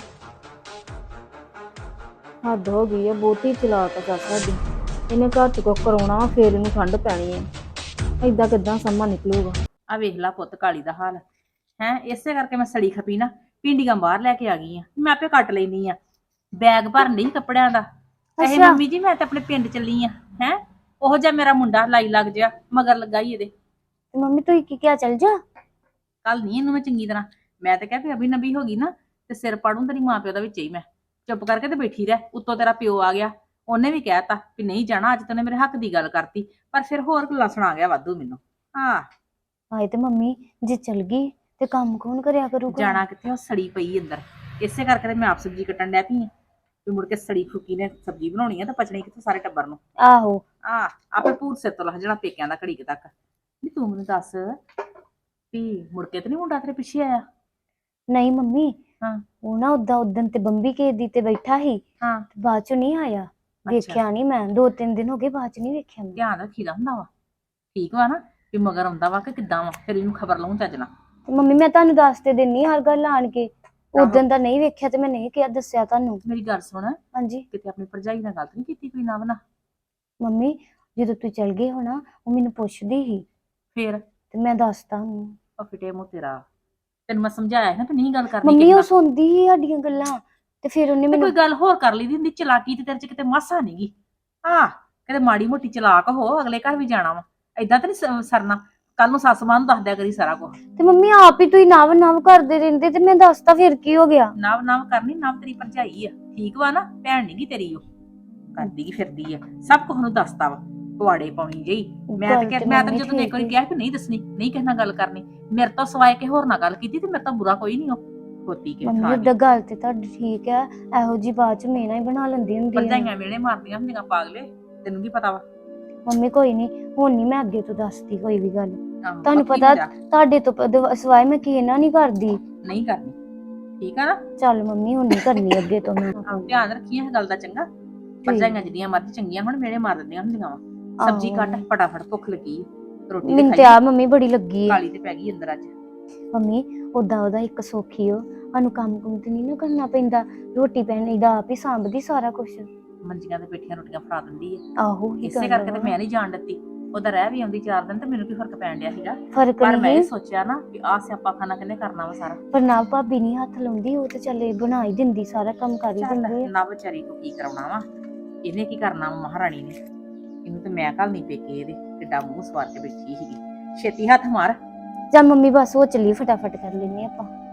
Speaker 7: ਹੱਦ ਹੋ ਗਈ ਹੈ, ਬਹੁਤੀ ਚਲਾਕ ਆ ਸੱਸ ਸਾਡੀ। ਇਹਨੇ ਘਰ ਚ ਕੁਛ ਕਰਾਉਣਾ ਵਾ, ਫੇਰ ਇਹਨੂੰ ਠੰਡ ਪੈਣੀ ਹੈ। ਏਦਾਂ ਕਿੱਦਾਂ ਸਮਾਂ ਨਿਕਲੂਗਾ?
Speaker 1: ਆ ਵੇਖ ਲਾ ਪੁੱਤ ਕਾਲੀ ਦਾ ਹਾਲ ਹੈ। ਇਸੇ ਕਰਕੇ ਮੈਂ ਸੜੀ ਖਪੀ ਨਾ, ਪਿੰਡੀਆਂ ਬਾਹਰ ਲੈ ਕੇ ਆ ਗਈ ਆ, ਮੈਂ ਆਪੇ ਕੱਟ ਲੈਣੀ ਆ। ਬੈਗ ਭਰਨ ਲਈ ਕੱਪੜਿਆਂ ਦਾ। ਇਹ ਮੰਮੀ ਜੀ ਮੈਂ ਤਾਂ ਆਪਣੇ ਪਿੰਡ ਚੱਲੀ ਆ। ਹੈ ਉਹ ਜਿਹਾ ਮੇਰਾ ਮੁੰਡਾ ਲਾਈ ਲੱਗ ਜਿਆ ਮਗਰ ਲੱਗਾ ਹੀ ਇਹਦੇ।
Speaker 7: ਤੇ ਮੰਮੀ ਤੂੰ ਕੀ ਕਿਹਾ, ਚੱਲ ਜਾ?
Speaker 1: ਕੱਲ ਨਹੀਂ ਇਹਨੂੰ ਮੈਂ ਚੰਗੀ ਤਰ੍ਹਾਂ, ਮੈਂ ਤਾਂ ਕਿਹਾ ਵੀ ਅਭੀ ਨਬੀ ਹੋ ਗਈ ਨਾ ਤੇ ਸਿਰ ਪਾੜੂ ਤੇਰੀ ਮਾਂ ਪਿਓ ਦਾ ਵਿੱਚ ਹੀ। ਮੈਂ ਚੁੱਪ ਕਰਕੇ ਤੇ ਬੈਠੀ ਰਹਿ। ਉੱਤੋਂ ਤੇਰਾ ਪਿਓ ਆ ਗਿਆ, ਉਹਨੇ ਵੀ ਕਹਿਤਾ ਵੀ ਨਹੀਂ ਜਾਣਾ, ਅੱਜ ਤੈਨੂੰ ਮੇਰੇ ਹੱਕ ਦੀ ਗੱਲ ਕਰਤੀ, ਪਰ ਫਿਰ ਹੋਰ ਗੱਲਾਂ ਸੁਣਾ ਗਿਆ ਵਾਧੂ ਮੈਨੂੰ। ਹਾਂ
Speaker 7: ਹਾਏ ਤੇ ਮੰਮੀ ਜੇ ਚਲ ਗਈ ਤੇ ਕੰਮ ਕੌਣ ਕਰਿਆ ਕਰੂਗਾ?
Speaker 1: ਜਾਣਾ ਕਿੱਥੇ, ਉਹ ਸੜੀ ਪਈ ਅੰਦਰ। ਇਸੇ ਕਰਕੇ ਤੇ ਮੈਂ ਆਪ ਸਬਜ਼ੀ ਕੱਟਣ ਡੈ ਪਈ ਆ ਵੀ ਮੁੜ ਕੇ ਸੜੀ ਫੁੱਕੀ ਨੇ ਸਬਜ਼ੀ ਬਣਾਉਣੀ ਆ ਤਾਂ ਪਚਣੀ ਕਿੱਥੇ ਸਾਰੇ ਟੱਬਰ ਨੂੰ।
Speaker 7: ਆਹੋ
Speaker 1: ਆਪੇ ਭੂਤ ਸਿਰ ਤੋਂ ਲੱਗ ਜਾਣਾ ਪੇਕਿਆਂ ਦਾ ਘੜੀ ਕੁ ਤੱਕ। ਨਹੀਂ ਤੂੰ ਮੈਨੂੰ ਦੱਸ ਵੀ ਮੁੜ ਕੇ ਤੇ ਨਹੀਂ ਮੁੰਡਾ ਤੇਰੇ ਪਿੱਛੇ ਆਇਆ?
Speaker 7: ਨਹੀਂ ਮੰਮੀ,
Speaker 1: ਹਾਂ।
Speaker 7: ਉਹ ਨਾ ਉਦਣ ਤੇ ਬੰਬੀ ਕੇ ਦੀ ਤੇ ਬੈਠਾ ਸੀ,
Speaker 1: ਹਾਂ
Speaker 7: ਬਾਅਦ ਚ ਨਹੀਂ ਆਇਆ। ਵੇਖਿਆ ਨਹੀਂ ਮੈਂ, 2-3 ਦਿਨ ਹੋ ਗਏ, ਬਾਅਦ ਚ ਨਹੀਂ ਵੇਖਿਆ ਮੈਂ।
Speaker 1: ਧਿਆਨ ਰੱਖੀਦਾ ਹੁੰਦਾ ਵਾ, ਠੀਕ ਵਾ ਨਾ, ਵੀ ਮਗਰ ਆਉਂਦਾ ਵਾ ਕਿ ਕਿੱਦਾਂ ਵਾ, ਫਿਰ ਇਹਨੂੰ ਖਬਰ ਲਾਉਂ ਚੱਜ ਨਾਲ।
Speaker 7: ਤੇ ਮੰਮੀ ਮੈਂ ਤੁਹਾਨੂੰ ਦੱਸ ਤੇ ਦਿੰਨੀ ਹਰ ਗੱਲ ਆਣ ਕੇ। ਉਦੋਂ ਦਾ ਨਹੀਂ ਵੇਖਿਆ ਤੇ ਮੈਂ ਨਹੀਂ ਕਿਹਾ, ਦੱਸਿਆ ਤੁਹਾਨੂੰ।
Speaker 1: ਮੇਰੀ ਗੱਲ ਸੁਣ,
Speaker 7: ਹਾਂਜੀ
Speaker 1: ਕਿਤੇ ਆਪਣੀ ਭਰਜਾਈ ਨਾਲ ਗੱਲ ਨਹੀਂ ਕੀਤੀ ਕੋਈ ਨਾ ਬਣਾ?
Speaker 7: ਮੰਮੀ ਜਦੋਂ ਤੂੰ ਚਲ ਗਈ ਹੋਣਾ, ਉਹ ਮੈਨੂੰ ਪੁੱਛਦੀ ਸੀ
Speaker 1: ਫਿਰ
Speaker 7: ਤੇ ਮੈਂ ਦੱਸਤਾ ਉਹਨੂੰ।
Speaker 1: ਉਹ ਫਿਟੇ ਮੂੰਹ ਤੇਰਾ, ਤੈਨੂੰ ਮੈਂ ਸਮਝਾਇਆ ਸੀ ਨਾ ਵੀ ਨਹੀਂ ਗੱਲ ਕਰਨੀ
Speaker 7: ਮੰਮੀ
Speaker 1: ਕਿਸੇ
Speaker 7: ਉਹ
Speaker 1: ਨਾਲ।
Speaker 7: ਸੁਣਦੀ ਸੀ ਸਾਡੀਆਂ ਗੱਲਾਂ, ਤੇ ਫਿਰ ਉਹਨੇ
Speaker 1: ਤੇ
Speaker 7: ਮੈਨੂੰ
Speaker 1: ਕੋਈ ਗੱਲ ਹੋਰ ਕਰ ਲਈ ਦੀ ਹੁੰਦੀ, ਚਲਾਕੀ ਤੇ ਤੇਰੇ ਚ ਕਿਤੇ ਮਾਸਾ ਨਹੀਂਗੀ। ਹਾਂ ਕਿਤੇ ਮਾੜੀ ਮੋਟੀ ਚਲਾਕ ਹੋ, ਅਗਲੇ ਘਰ ਵੀ ਜਾਣਾ ਵਾ, ਏਦਾਂ ਤਾਂ ਨਹੀਂ ਸਰਨਾ। ਕੱਲ ਨੂੰ ਸੱਸ ਮਾਂ ਨੂੰ ਦੱਸ ਦਿਆ ਕਰੀ ਸਾਰਾ ਕੁਝ।
Speaker 7: ਤੇ ਮੰਮੀ ਆਪ ਹੀ ਤੁਸੀਂ ਨਵ ਕਰਦੇ ਰਹਿੰਦੇ, ਤੇ ਮੈਂ ਦੱਸਤਾ ਫਿਰ ਕੀ ਹੋ ਗਿਆ?
Speaker 1: ਨਵ ਨਵ ਕਰਨੀ, ਨਵ ਤੇਰੀ ਭਰਜਾਈ ਆ, ਠੀਕ ਵਾ ਨਾ, ਭੈਣ ਨਹੀਂਗੀ ਤੇਰੀ। ਉਹ ਕਰਦੀ ਫਿਰਦੀ ਆ, ਸਭ ਕੁਝ ਨੂੰ ਦੱਸਦਾ ਵਾ, ਪਵਾੜੇ ਪਾਉਣੀ ਜਈ। ਮੈਂ ਤਾਂ ਜਦੋਂ ਇੱਕ ਵਾਰੀ ਕਿਹਾ ਕਿ ਨਹੀਂ ਦੱਸਣੀ, ਨਹੀਂ ਕਿਸੇ ਨਾਲ ਗੱਲ ਕਰਨੀ, ਮੇਰੇ ਤੋਂ ਸਵਾਏ ਕਿ ਹੋਰ ਨਾਲ ਗੱਲ ਕੀਤੀ, ਤੇ ਮੇਰੇ ਤੋਂ ਬੁਰਾ ਕੋਈ ਨਹੀਂ। ਉਹ ਖੋਤੀ ਕੇ
Speaker 7: ਮੰਮੀ ਉਹਦਾ ਗੱਲ ਤੇ ਤੁਹਾਡੀ ਠੀਕ ਹੈ, ਇਹੋ ਜੀ ਬਾਤ ਚ ਮੇਨਾ ਹੀ ਬਣਾ ਲੈਂਦੀ ਹੁੰਦੀ ਹੈ।
Speaker 1: ਭਰਜਾਈਆਂ ਮੇਲੇ ਮਾਰਦੀਆਂ ਹੁੰਦੀਆਂ ਪਾਗਲੇ, ਤੈਨੂੰ ਕੀ ਪਤਾ ਵਾ?
Speaker 7: ਮੰਮੀ ਕੋਈ ਨਹੀਂ, ਹੁਣ ਨਹੀਂ ਮੈਂ ਅੱਗੇ ਤੋਂ ਦੱਸਦੀ ਕੋਈ ਵੀ ਗੱਲ।
Speaker 1: ਆਹੋ,
Speaker 7: ਤੁਹਾਨੂੰ
Speaker 1: ਬਾਕੀ
Speaker 7: ਪਤਾ
Speaker 1: ਹੁੰਦਾ,
Speaker 7: ਤੁਹਾਡੇ ਤੋਂ ਸਵਾਏ ਮੈਂ ਕਿਸੇ ਨਾਲ ਨਹੀਂ ਕਰਦੀ।
Speaker 1: ਨਹੀਂ ਕਰਨੀ, ਠੀਕ ਆ ਨਾ?
Speaker 7: ਚੱਲ ਮੰਮੀ ਹੁਣ ਨਹੀਂ ਕਰਨੀ ਅੱਗੇ ਤੋਂ ਮੈਂ।
Speaker 1: ਧਿਆਨ ਰੱਖੀ ਇਹ ਗੱਲ ਦਾ ਚੰਗਾ। ਭਰਜਾਈਆਂ ਜਿੰਨੀਆਂ ਮਰਜ਼ੀ ਚੰਗੀਆਂ ਹੁਣ ਮੇਰੇ ਮਾਰ ਦਿੰਦੀਆਂ ਹੁੰਦੀਆਂ ਵਾ। ਸਬਜ਼ੀ ਕੱਟ ਫਟਾਫਟ, ਭੁੱਖ ਲੱਗੀ ਰੋਟੀ
Speaker 7: ਮੈਨੂੰ ਤੇ ਆ ਮੰਮੀ ਬੜੀ ਲੱਗੀ ਹੈ।
Speaker 1: ਕਾਲੀ ਤੇ ਪੈ ਗਈ ਅੰਦਰ ਅੱਜ।
Speaker 7: ਮੰਮੀ ਉਦਾਂ ਉਹਦਾ ਇੱਕ ਸੌਖੀ ਹੋ, ਸਾਨੂੰ ਕੰਮ ਕੁਮ ਤੇ ਨਹੀਂ ਨਾ ਕਰਨਾ ਪੈਂਦਾ, ਰੋਟੀ ਪਾਣੀ ਦਾ ਆਪ ਹੀ ਸਾਂਭਦੀ ਸਾਰਾ ਕੁਝ।
Speaker 1: ਮੰਜੀਆਂ ਤੇ ਬੈਠੀਆਂ ਰੋਟੀਆਂ ਫੜਾ ਦਿੰਦੀ ਹੈ।
Speaker 7: ਆਹੋ
Speaker 1: ਇਸੇ ਕਰਕੇ ਤੇ ਮੈਂ ਨਹੀਂ ਜਾਣ ਦਿੱਤੀ। ਉਹਦਾ ਰਹਿ ਵੀ ਆਉਂਦੀ 4 ਦਿਨ, ਤੇ ਮੈਨੂੰ ਕੀ ਫਰਕ ਪੈਣ ਡਿਆ ਸੀਗਾ।
Speaker 7: ਫਰਕ
Speaker 1: ਪਰ ਮੈਂ ਇਹ
Speaker 7: ਨਹੀਂ,
Speaker 1: ਸੋਚਿਆ ਨਾ ਵੀ ਆਹ ਸਿਆਪਾ ਖਾਨਾ ਕਿੰਨੇ ਕਰਨਾ ਵਾ ਸਾਰਾ।
Speaker 7: ਪਰ ਨਾ ਭਾਬੀ ਨਹੀਂ ਹੱਥ ਲਾਉਂਦੀ, ਉਹ ਤੇ ਚੱਲੇ ਬਣਾ ਹੀ ਦਿੰਦੀ, ਸਾਰਾ ਕੰਮ ਕਰ ਹੀ ਦਿੰਦੀ ਹੈ।
Speaker 1: ਨਾ ਵਿਚਾਰੀ ਨੂੰ ਕੀ ਕਰਾਉਣਾ ਵਾ, ਇਹਨੇ ਕੀ ਕਰਨਾ ਵਾ ਮਹਾਰਾਣੀ ਨੇ। ਇਹਨੂੰ ਤੇ ਮੈਂ ਕੱਲ ਨਹੀਂ ਪੇਕੇ, ਇਹਦੇ ਕਿੱਡਾ ਮੂੰਹ ਸਵਾਰ ਕੇ ਬੈਠੀ ਸੀਗੀ। ਛੇਤੀ ਹੱਥ ਮਾਰ।
Speaker 7: ਜਾਂ ਮੰਮੀ ਬਸ ਉਹ ਚੱਲੀ, ਫਟਾਫਟ ਕਰ ਲੈਨੇ ਆਪਾਂ।